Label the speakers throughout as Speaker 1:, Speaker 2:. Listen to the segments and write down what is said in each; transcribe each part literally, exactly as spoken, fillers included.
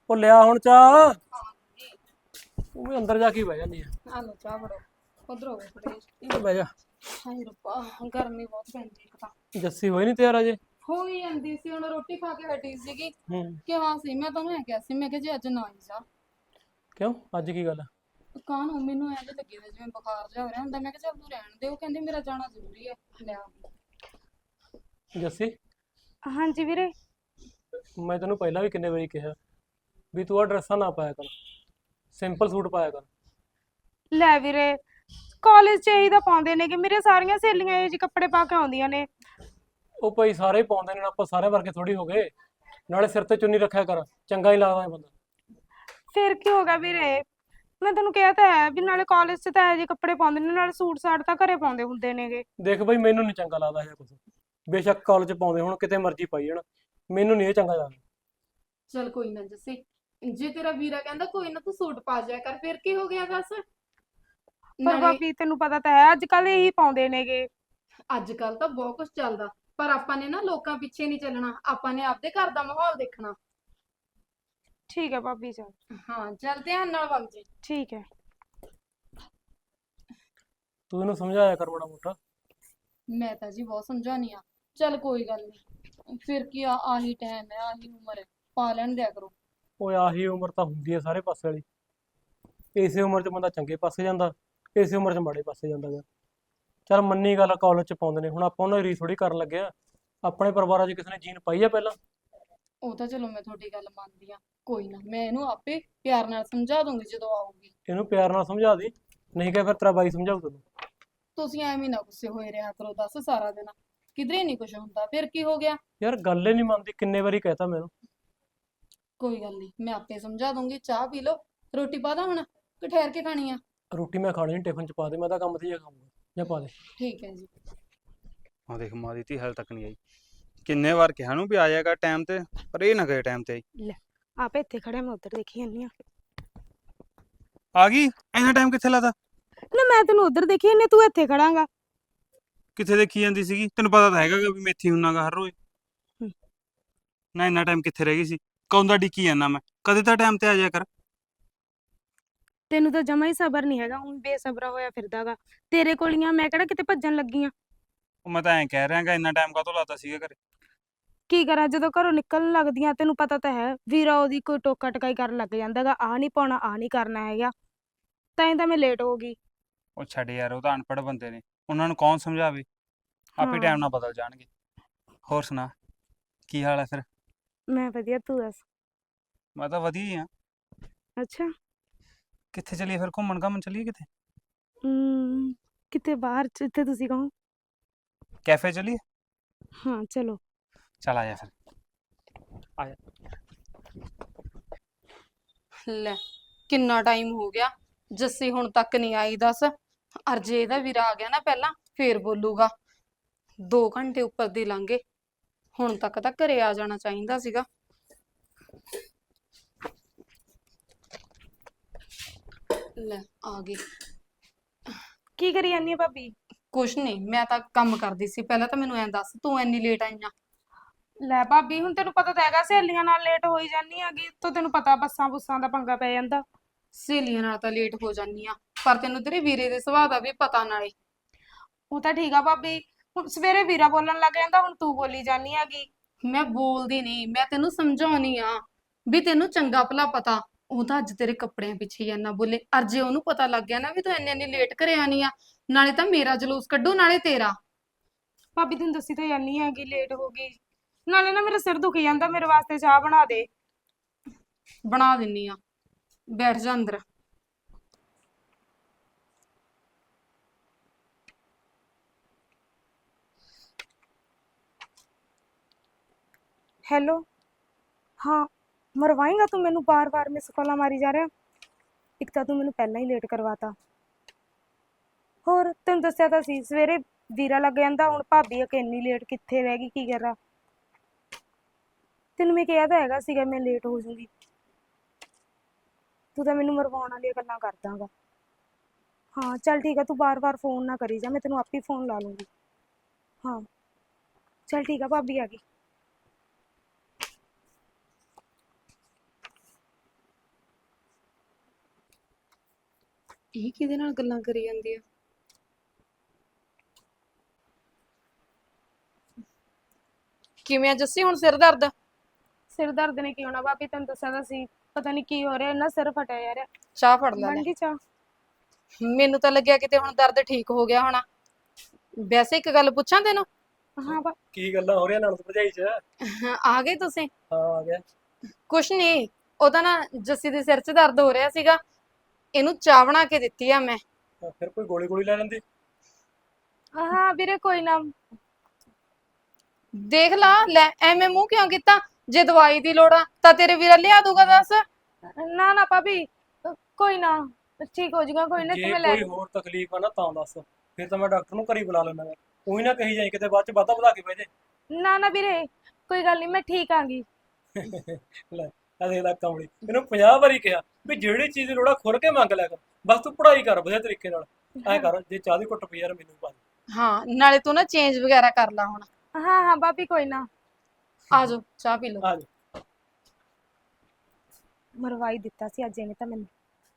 Speaker 1: ਉਹ ਲਿਆ ਹੁਣ ਚਾਹ। ਉਹ ਵੀ ਅੰਦਰ ਜਾ ਕੇ ਹੀ ਬਹਿ ਜਾਂਦੀ ਆ।
Speaker 2: ਆ ਲੋ ਚਾਹ ਬੜੋ ਉਧਰ ਹੋ ਗਏ ਥੋੜੇ।
Speaker 1: ਇਹ ਬਹਿ ਜਾ।
Speaker 2: ਹਾਏ ਰੱਬਾ ਗਰਮੀ ਬਹੁਤ ਪੈਂਦੀ ਇੱਕ ਤਾਂ।
Speaker 1: ਜੱਸੀ ਹੋਈ ਨਹੀਂ ਤਿਆਰ ਅਜੇ।
Speaker 2: ਹੋ ਹੀ ਜਾਂਦੀ ਸੀ, ਹੁਣ ਰੋਟੀ ਖਾ ਕੇ ਹਟੀ ਸੀਗੀ।
Speaker 1: ਹੂੰ।
Speaker 2: ਕਿਹਾ ਸੀ ਮੈਂ ਤੁਹਾਨੂੰ ਐ ਕਿਹਾ ਸੀ, ਮੈਂ ਕਿਹਾ ਜੀ ਅੱਜ ਨਾ ਆਈ ਜਾ।
Speaker 1: ਕਿਉਂ ਅੱਜ ਕੀ ਗੱਲ?
Speaker 2: ਕਾਹਨੂੰ ਮੈਨੂੰ ਐਂ ਜੇ ਲੱਗੀ ਦਾ ਜਿਵੇਂ ਬੁਖਾਰ ਜਿਹਾ ਹੋ ਰਿਹਾ ਹੁੰਦਾ। ਮੈਂ ਕਿਹਾ ਚੱਲ ਤੂੰ ਰਹਿਣ ਦੇ, ਉਹ ਕਹਿੰਦੀ ਮੇਰਾ ਜਾਣਾ ਜ਼ਰੂਰੀ ਹੈ। ਲੈ ਆ ਗਈ।
Speaker 1: ਜੱਸੀ
Speaker 3: ਹਾਂਜੀ ਵੀਰੇ।
Speaker 1: ਮੈਂ ਤੈਨੂੰ ਪਹਿਲਾਂ ਵੀ ਕਿੰਨੇ ਵਾਰੀ ਕਿਹਾ ਵੀ ਤੂੰ ਆ ਡਰੈਸਾਂ ਨਾ ਪਾਇਆ ਕਰ, ਸਿੰਪਲ ਸੂਟ ਪਾਇਆ ਕਰ।
Speaker 3: ਲੈ ਵੀਰੇ, ਕਾਲਜ ਚ ਇਹੀ ਤਾਂ ਪਾਉਂਦੇ ਨੇ ਕਿ ਮੇਰੇ ਸਾਰੀਆਂ ਸਹੇਲੀਆਂ ਇਹ ਜਿਹੇ ਕੱਪੜੇ ਪਾ ਕੇ ਆਉਂਦੀਆਂ ਨੇ।
Speaker 1: ਉਹ ਭਾਈ ਸਾਰੇ ਹੀ ਪਾਉਂਦੇ ਨੇ, ਆਪਾਂ ਸਾਰੇ ਵਰਗੇ ਥੋੜੀ ਹੋ ਗਏ। ਨਾਲੇ ਸਿਰ ਤੇ ਚੁੰਨੀ ਰੱਖਿਆ ਕਰ, ਚੰਗਾ ਹੀ ਲੱਗਦਾ ਇਹ ਬੰਦਾ।
Speaker 3: ਫਿਰ ਕੀ ਹੋ ਗਿਆ ਵੀਰੇ, ਮੈਂ ਤੈਨੂੰ ਕਿਹਾ ਤਾਂ ਹੈ ਵੀ ਨਾਲੇ ਕਾਲਜ ਚ ਤਾਂ ਇਹ ਜਿਹੇ ਕੱਪੜੇ ਪਾਉਂਦੇ ਨੇ, ਨਾਲੇ ਸੂਟ ਸਾਟ ਤਾਂ ਘਰੇ ਪਾਉਂਦੇ ਹੁੰਦੇ ਨੇਗੇ।
Speaker 1: ਦੇਖ ਬਈ ਮੈਨੂੰ ਨਹੀਂ ਚੰਗਾ ਲੱਗਦਾ ਇਹ ਕੁਝ। ਬੇਸ਼ੱਕ ਕਾਲਜ ਪਾਉਂਦੇ ਹੁਣ, ਕਿਤੇ ਮਰਜ਼ੀ ਪਾਈ ਜਾਣ, ਮੈਨੂੰ ਨਹੀਂ ਇਹ ਚੰਗਾ ਲੱਗਦਾ।
Speaker 2: ਚੱਲ ਕੋਈ ਨਾ ਜੱਸੀ, ਜੇ ਤੇਰਾ ਵੀਰਾ ਕਹਿੰਦਾ ਕੋਈ ਨਾ ਤੂੰ ਸੂਟ ਪਾ ਜਾਇਆ ਕਰ, ਫਿਰ ਕੀ ਹੋ ਗਿਆ ਬਸ।
Speaker 3: ਪਰ
Speaker 2: ਨਾਲੇ
Speaker 3: ਭਾਬੀ ਤੈਨੂੰ ਪਤਾ ਤਾਂ ਹੈ ਅੱਜ ਕੱਲ ਇਹੀ ਪਾਉਂਦੇ ਨੇਗੇ।
Speaker 2: ਅੱਜ ਕੱਲ ਤਾਂ ਬਹੁਤ ਕੁਝ ਚੱਲਦਾ, ਪਰ ਆਪਾਂ ਨੇ ਨਾ ਲੋਕਾਂ ਪਿੱਛੇ ਨਹੀਂ ਚੱਲਣਾ, ਆਪਾਂ ਨੇ ਆਪਦੇ ਘਰ ਦਾ ਮਾਹੌਲ ਦੇਖਣਾ।
Speaker 3: ਠੀਕ ਹੈ ਭਾਬੀ, ਚੱਲ
Speaker 2: ਹਾਂ ਚੱਲ ਧਿਆਨ ਨਾਲ ਵਗ ਜੀ।
Speaker 3: ਠੀਕ ਹੈ।
Speaker 1: ਤੂੰ ਇਹਨੂੰ ਸਮਝਾਇਆ ਕਰ ਮਾੜਾ ਮੋਟਾ।
Speaker 2: ਮੈਂ ਤਾਂ ਜੀ ਬਹੁਤ ਸਮਝਾਉਣੀ ਆ। ਚੱਲ ਕੋਈ ਗੱਲ ਨਹੀਂ, ਫਿਰ ਕੀ ਆ, ਆਹੀ ਟਾਈਮ ਹੈ, ਆਹੀ ਉਮਰ ਹੈ, ਪਾ ਲੈਣ ਦਿਆ ਕਰੋ।
Speaker 1: ਓਏ ਆਹੀ ਉਮਰ ਤਾਂ ਹੁੰਦੀ ਹੈ ਸਾਰੇ ਪਾਸੇ ਵਾਲੀ। ਇਸੇ ਉਮਰ 'ਚ ਬੰਦਾ ਚੰਗੇ ਪਾਸੇ ਜਾਂਦਾ, ਇਸੇ ਉਮਰ 'ਚ ਮਾੜੇ ਪਾਸੇ ਜਾਂਦਾ ਗਾ। ਚੱਲ ਮੰਨੀ ਗੱਲ, ਕਾਲਜ 'ਚ ਪਾਉਂਦੇ ਨੇ, ਹੁਣ ਆਪਾਂ ਉਹਨਾਂ ਦੀ ਰੀਸ ਥੋੜੀ ਕਰਨ ਲੱਗੇ ਆ। ਆਪਣੇ ਪਰਿਵਾਰਾਂ 'ਚ ਕਿਸੇ ਨੇ ਜੀਨ ਪਾਈ ਆ ਪਹਿਲਾਂ?
Speaker 2: ਉਹ ਤਾਂ ਚਲੋ ਮੈਂ ਤੁਹਾਡੀ ਗੱਲ ਮੰਨਦੀ ਆ, ਕੋਈ ਨਾ ਮੈਂ ਇਹਨੂੰ ਆਪੇ ਪਿਆਰ ਨਾਲ ਸਮਝਾ ਦੂੰਗੀ ਜਦੋਂ ਆਊਗੀ।
Speaker 1: ਇਹਨੂੰ ਪਿਆਰ ਨਾਲ ਸਮਝਾ ਦੇ, ਨਹੀਂ ਕਿ ਫਿਰ ਤੇਰਾ ਬਾਈ ਸਮਝਾਊ ਤੈਨੂੰ।
Speaker 2: ਤੁਸੀਂ ਐਵੇਂ ਨਾ ਗੁੱਸੇ ਹੋਏ ਰਿਹਾ ਕਰੋ, ਦੱਸ ਸਾਰਾ ਦਿਨ ਕਿਧਰੇ ਨਹੀਂ ਕੁਝ ਹੁੰਦਾ, ਫਿਰ ਕੀ ਹੋ ਗਿਆ।
Speaker 1: ਯਾਰ ਗੱਲ ਹੀ ਨਹੀਂ ਮੰਨਦੀ, ਕਿੰਨੇ ਵਾਰੀ ਕਹਿਤਾ ਮੈਨੂੰ।
Speaker 2: ਕੋਈ ਗੱਲ ਨਹੀਂ, ਮੈਂ ਆਪੇ ਸਮਝਾ ਦੂੰਗੀ। ਚਾਹ ਪੀ ਲਓ, ਰੋਟੀ ਪਾ ਦਾਂ ਹੁਣ ਕਿ ਠਹਿਰ ਕੇ ਖਾਣੀ ਆ?
Speaker 1: ਰੋਟੀ ਮੈਂ ਖਾਣੀ ਨਹੀਂ, ਟਿਫਨ 'ਚ ਪਾ ਦੇ, ਮੈਂ ਤਾਂ ਕੰਮ ਤੇ ਜਾ ਖਾਊਂਗਾ। ਜਾਂ ਪਾ ਦੇ।
Speaker 2: ਠੀਕ ਹੈ ਜੀ।
Speaker 4: ਆ ਦੇਖ ਮਾਂ ਦੀ ਧੀ ਹਾਲੇ ਤੱਕ ਨਹੀਂ ਆਈ। ਕਿੰਨੇ ਵਾਰ ਕਿਹਾ ਨੂੰ ਵੀ ਆ ਜਾਏਗਾ ਟਾਈਮ ਤੇ, ਪਰ ਇਹ ਨਾ ਗਏ ਟਾਈਮ ਤੇ ਆਈ।
Speaker 3: ਲੈ ਆਪੇ ਇੱਥੇ ਖੜਿਆ, ਮੈਂ ਉੱਧਰ ਦੇਖੀ ਜਾਂਦੀ ਆ।
Speaker 4: ਆ ਗਈ? ਇੰਨਾ ਟਾਈਮ ਕਿੱਥੇ ਲਾਤਾ?
Speaker 3: ਨਾ ਮੈਂ ਤੈਨੂੰ ਉੱਧਰ ਦੇਖੀ ਜਾਂਦੀ, ਤੂੰ ਇੱਥੇ ਖੜਾਂਗਾ।
Speaker 4: ਕਿੱਥੇ ਦੇਖੀ ਜਾਂਦੀ ਸੀਗੀ? ਤੈਨੂੰ ਪਤਾ ਤਾਂ ਹੈਗਾ ਗਾ ਵੀ ਮੇਥੀ ਹੁੰਨਾਗਾ ਹਰ ਰੋਜ਼।
Speaker 3: ਹੂੰ।
Speaker 4: ਨਾ ਇੰਨਾ ਟਾਈਮ ਕਿੱਥੇ ਰਹਿ ਗਈ ਸੀ? ਕੌਣ ਦਾ ਡਿੱਕੀ ਜਾਂਦਾ ਮੈਂ, ਕਦੇ ਤਾਂ ਟਾਈਮ ਤੇ ਆ ਜਾਇਆ ਕਰ।
Speaker 3: ਤੈਨੂੰ ਤਾਂ ਜਮਾ ਹੀ ਸਬਰ ਨਹੀਂ ਹੈਗਾ, ਹੁਣ ਬੇਸਬਰਾ ਹੋਇਆ ਫਿਰਦਾਗਾ। ਤੇਰੇ ਕੋਲੀਆਂ ਮੈਂ ਕਿਹੜਾ ਕਿਤੇ ਭੱਜਣ ਲੱਗੀ ਆ।
Speaker 4: ਉਹ ਮੈਂ ਤਾਂ ਐਂ ਕਹਿ ਰਿਹਾਗਾ, ਇੰਨਾ ਟਾਈਮ ਕਾਹਤੋਂ ਲਾਤਾ ਸੀਗਾ ਘਰੇ?
Speaker 3: ਕੀ ਕਰਾਂ, ਜਦੋਂ ਘਰੋਂ ਨਿਕਲਣ ਲੱਗਦੀਆਂ ਤੈਨੂੰ ਪਤਾ ਤਾਂ ਹੈ ਵੀਰਾ ਉਹਦੀ ਕੋਈ ਟੋਕਾ ਟਕਾਈ ਕਰਨ ਲੱਗ ਜਾਂਦਾਗਾ, ਆਹ ਨਹੀਂ ਪਾਉਣਾ, ਆਹ ਨਹੀਂ ਕਰਨਾ ਹੈਗਾ, ਤਾਂ ਹੀ ਤਾਂ ਮੈਂ ਲੇਟ ਹੋ ਗਈ।
Speaker 4: ਉਹ ਛੱਡ ਯਾਰ, ਉਹ ਤਾਂ ਅਨਪੜ੍ਹ ਬੰਦੇ ਨੇ, ਉਹਨਾਂ ਨੂੰ ਕੌਣ ਸਮਝਾਵੇ, ਆਪੇ ਟਾਈਮ
Speaker 3: ਹਾਂ
Speaker 4: ਨਾਲ ਬਦਲ ਜਾਣਗੇ। ਹੋਰ ਸੁਣਾ, ਕੀ ਹਾਲ ਹੈ ਫਿਰ?
Speaker 3: ਮੈਂ ਵਧੀਆ, ਤੂੰ ਦੱਸ।
Speaker 4: ਮੈਂ ਤਾਂ ਵਧੀਆ ਹੀ ਆ।
Speaker 3: ਅੱਛਾ।
Speaker 4: ਕਿੱਥੇ ਚੱਲੀਏ ਫਿਰ, ਘੁੰਮਣ ਘਾਮਣ ਚੱਲੀਏ ਕਿਤੇ?
Speaker 3: ਹਮ, ਕਿਤੇ ਬਾਹਰ ਜਿੱਥੇ ਤੁਸੀਂ ਕਹੋ।
Speaker 4: ਕੈਫੇ ਚੱਲੀਏ?
Speaker 3: ਹਾਂ ਚਲੋ।
Speaker 4: ਚੱਲ ਆ ਜਾ ਫਿਰ।
Speaker 1: ਆ ਜਾ।
Speaker 2: ਲੈ ਕਿੰਨਾ ਟਾਈਮ ਹੋ ਗਿਆ, ਜੱਸੀ ਹੁਣ ਤੱਕ ਨਹੀਂ ਆਈ, ਦੱਸ। ਅਰ ਜੇ ਇਹਦਾ ਵੀਰਾ ਆ ਗਿਆ ਨਾ ਪਹਿਲਾਂ, ਫੇਰ ਬੋਲੂਗਾ। ਦੋ ਘੰਟੇ ਉੱਪਰ ਦੀ ਲੰਘੇ, ਹੁਣ ਤੱਕ ਤਾਂ ਘਰੇ ਆ ਜਾਣਾ ਚਾਹੀਦਾ ਸੀਗਾ। ਲੈ ਆ ਗਈ।
Speaker 3: ਕੀ ਕਰੀ ਜਾਂਦੀ ਆ ਭਾਬੀ?
Speaker 2: ਕੁਛ ਨਹੀਂ, ਮੈਂ ਤਾਂ ਕੰਮ ਕਰਦੀ ਸੀ। ਪਹਿਲਾਂ ਤਾਂ ਮੈਨੂੰ ਐਂ ਦੱਸ, ਤੂੰ ਇੰਨੀ ਲੇਟ ਆਈ ਆ?
Speaker 3: ਲੈ ਭਾਬੀ, ਹੁਣ ਤੈਨੂੰ ਪਤਾ ਤਾਂ ਹੈਗਾ ਸਹੇਲੀਆਂ ਨਾਲ ਲੇਟ ਹੋਈ ਜਾਂਦੀ ਹੈਗੀ, ਤੋਂ ਤੈਨੂੰ ਪਤਾ ਬੱਸਾਂ ਬੁੱਸਾਂ ਦਾ ਪੰਗਾ ਪੈ ਜਾਂਦਾ।
Speaker 2: ਸਹੇਲੀਆਂ ਨਾਲ ਤਾਂ ਲੇਟ ਹੋ ਜਾਂਦੀ ਆ, ਪਰ ਤੈਨੂੰ ਤੇਰੇ ਵੀਰੇ ਦੇ ਸੁਭਾਅ ਦਾ ਵੀ ਪਤਾ ਨਾਲੇ।
Speaker 3: ਉਹ ਤਾਂ ਠੀਕ ਆ ਭਾਬੀ, ਹੁਣ ਸਵੇਰੇ ਵੀਰਾ ਬੋਲਣ ਲੱਗ ਜਾਂਦਾ, ਹੁਣ ਤੂੰ ਬੋਲੀ ਜਾਂਦੀ ਹੈਗੀ।
Speaker 2: ਮੈਂ ਬੋਲਦੀ ਨਹੀਂ, ਮੈਂ ਤੈਨੂੰ ਸਮਝਾਉਣੀ ਆ ਵੀ ਤੈਨੂੰ ਚੰਗਾ ਭਲਾ ਪਤਾ। ਉਹ ਤਾਂ ਅੱਜ ਤੇਰੇ ਕੱਪੜਿਆਂ ਪਿੱਛੇ ਹੀ ਇੰਨਾ ਬੋਲੇ, ਅਰ ਜੇ ਉਹਨੂੰ ਪਤਾ ਲੱਗ ਗਿਆ ਨਾ ਵੀ ਤੂੰ ਇੰਨੀ ਇੰਨੀ ਲੇਟ ਘਰੇ ਆਣੀ ਆ, ਨਾਲੇ ਤਾਂ ਮੇਰਾ ਜਲੂਸ ਕੱਢੂ ਨਾਲੇ ਤੇਰਾ।
Speaker 3: ਭਾਬੀ ਤੈਨੂੰ ਦੱਸੀ ਤਾਂ ਜਾਨੀ ਹੈਗੀ, ਲੇਟ ਹੋ ਗਈ, ਨਾਲੇ ਨਾ ਮੇਰਾ ਸਿਰ ਦੁਖੀ ਜਾਂਦਾ, ਮੇਰੇ ਵਾਸਤੇ ਚਾਹ ਬਣਾ ਦੇ।
Speaker 2: ਬਣਾ ਦਿੰਨੀ ਆ, ਬੈਠ ਜਾ ਅੰਦਰ।
Speaker 3: ਹੈਲੋ। ਹਾਂ ਮਰਵਾਏਂਗਾ ਤੂੰ ਮੈਨੂੰ, ਬਾਰ ਬਾਰ ਮਿਸ ਕਾਲਾਂ ਮਾਰੀ ਜਾ ਰਿਹਾ। ਇੱਕ ਤਾਂ ਤੂੰ ਮੈਨੂੰ ਪਹਿਲਾਂ ਹੀ ਲੇਟ ਕਰਵਾਤਾ, ਹੋਰ ਤੈਨੂੰ ਦੱਸਿਆ ਤਾਂ ਸੀ ਸਵੇਰੇ ਵੀਰਾ ਲੱਗ ਜਾਂਦਾ, ਹੁਣ ਭਾਬੀ ਆ ਕਿ ਇੰਨੀ ਲੇਟ ਕਿੱਥੇ ਰਹਿ ਗਈ, ਕੀ ਕਰਾਂ। ਤੈਨੂੰ ਮੈਂ ਕਿਹਾ ਤਾਂ ਹੈਗਾ ਸੀਗਾ ਮੈਂ ਲੇਟ ਹੋ ਜੂੰਗੀ, ਤੂੰ ਤਾਂ ਮੈਨੂੰ ਮਰਵਾਉਣ ਵਾਲੀਆਂ ਗੱਲਾਂ ਕਰਦਾਗਾ। ਹਾਂ ਚੱਲ ਠੀਕ ਆ, ਤੂੰ ਬਾਰ ਬਾਰ ਫੋਨ ਨਾ ਕਰੀ ਜਾ, ਮੈਂ ਤੈਨੂੰ ਆਪੇ ਫੋਨ ਲਾ ਲੂੰਗੀ। ਹਾਂ ਚੱਲ ਠੀਕ ਆ, ਭਾਬੀ ਆ ਗਈ।
Speaker 2: ਇਹ ਕਿਹਦੇ ਨਾਲ ਗੱਲਾਂ ਕਰੀ ਜਾਂਦੀ ਆ? ਕਿਵੇਂ ਆ ਜੱਸੀ, ਹੁਣ ਸਿਰ ਦਰਦ?
Speaker 3: ਸਿਰ ਦਰਦ ਨੇ ਕੀ ਹੋਣਾ ਭਾਬੀ, ਤੈਨੂੰ ਦੱਸਿਆ ਤਾਂ ਸੀ। ਪਤਾ ਨਹੀਂ ਕੀ ਹੋ ਰਿਹਾ, ਇੰਨਾ ਸਿਰ ਫਟਿਆ ਜਾ ਰਿਹਾ।
Speaker 2: ਚਾਹ ਫੜ ਲੈ
Speaker 3: ਬਣ
Speaker 2: ਲੈ।
Speaker 3: ਗਈ ਚਾਹ?
Speaker 2: ਮੈਨੂੰ ਤਾਂ ਲੱਗਿਆ ਕਿਤੇ ਹੁਣ ਦਰਦ ਠੀਕ ਹੋ ਗਿਆ ਹੋਣਾ। ਵੈਸੇ ਇੱਕ ਗੱਲ ਪੁੱਛਾਂ ਤੈਨੂੰ?
Speaker 3: ਹਾਂ ਭਾ-
Speaker 1: ਕੀ ਗੱਲਾਂ ਹੋ ਰਹੀਆਂ ਨਾਲ ਭਰਜਾਈ ਚ?
Speaker 2: ਆ ਗਏ ਤੁਸੀਂ?
Speaker 1: ਹਾਂ ਆ ਗਿਆ।
Speaker 2: ਕੁਛ ਨਹੀਂ, ਉਹਦਾ ਨਾ ਜੱਸੀ ਦੇ ਸਿਰ 'ਚ ਦਰਦ ਹੋ ਰਿਹਾ ਸੀਗਾ, ਇਹਨੂੰ ਚਾਹ ਬਣਾ ਕੇ ਦਿੱਤੀ ਆ ਮੈਂ।
Speaker 1: ਤਾਂ ਫਿਰ ਕੋਈ ਗੋਲੀ ਗੋਲੀ ਲੈ ਲੈਂਦੀ।
Speaker 3: ਹਾਂ ਵੀਰੇ ਕੋਈ ਨਾ।
Speaker 2: ਦੇਖ ਲਾ ਲੈ, ਐਵੇਂ ਮੂੰਹ ਕਿਉਂ ਕੀਤਾ? ਜੇ ਦਵਾਈ ਦੀ ਲੋੜ ਆ ਤਾਂ ਤੇਰੇ ਵੀਰਾ ਲਿਆ ਦੂਗਾ, ਦੱਸ।
Speaker 3: ਨਾ ਨਾ ਭਾਬੀ, ਕੋਈ ਨਾ, ਠੀਕ ਹੋ ਜਾਊਗਾ, ਕੋਈ ਨਾ
Speaker 1: ਜੇ
Speaker 3: ਕਿਵੇਂ ਲੈ।
Speaker 1: ਕੋਈ ਹੋਰ ਤਕਲੀਫ ਆ ਨਾ ਤਾਂ ਦੱਸ, ਫਿਰ ਤਾਂ ਮੈਂ ਡਾਕਟਰ ਨੂੰ ਘਰੀ ਬੁਲਾ ਲੈਣਾ। ਉਹੀ ਨਾ ਕਹੀ ਜਾਈ ਕਿਤੇ ਬਾਅਦ ਚ ਵਾਧਾ ਵਧਾ ਕੇ ਬਹਿ ਜੇ।
Speaker 3: ਨਾ ਨਾ ਵੀਰੇ, ਕੋਈ ਗੱਲ ਨਹੀਂ, ਮੈਂ ਠੀਕ ਆਂਗੀ।
Speaker 1: ਲੈ ਆ ਦੇਖ ਲੈ ਕਮਲੀ, ਇਹਨੂੰ ਪੰਜਾਹ ਵਾਰੀ ਕਿਹਾ ਵੀ ਜਿਹੜੀ ਚੀਜ਼ ਦੀ ਲੋੜ ਆ ਖੁੱਲ ਕੇ ਮੰਗ ਲਿਆ ਕਰ, ਬਸ ਤੂੰ ਪੜ੍ਹਾਈ ਕਰ ਵਧੀਆ ਤਰੀਕੇ ਨਾਲ। ਐਂ ਕਰ, ਜੇ ਚਾਹ ਦੀ ਘੁੱਟ ਪਈ ਯਾਰ ਮੈਨੂੰ ਪਾ ਦੇ।
Speaker 2: ਹਾਂ, ਨਾਲੇ ਤੂੰ ਨਾ ਚੇਂਜ ਵਗੈਰਾ ਕਰ ਲਾ ਹੁਣ।
Speaker 3: ਹਾਂ ਹਾਂ ਭਾਬੀ ਕੋਈ ਨਾ।
Speaker 2: ਆ ਜਾਓ ਚਾਹ ਪੀ ਲਓ।
Speaker 1: ਆ ਜਾ।
Speaker 3: ਮਰਵਾਈ ਦਿੱਤਾ ਸੀ ਅੱਜ ਇਹਨੇ ਤਾਂ ਮੈਨੂੰ।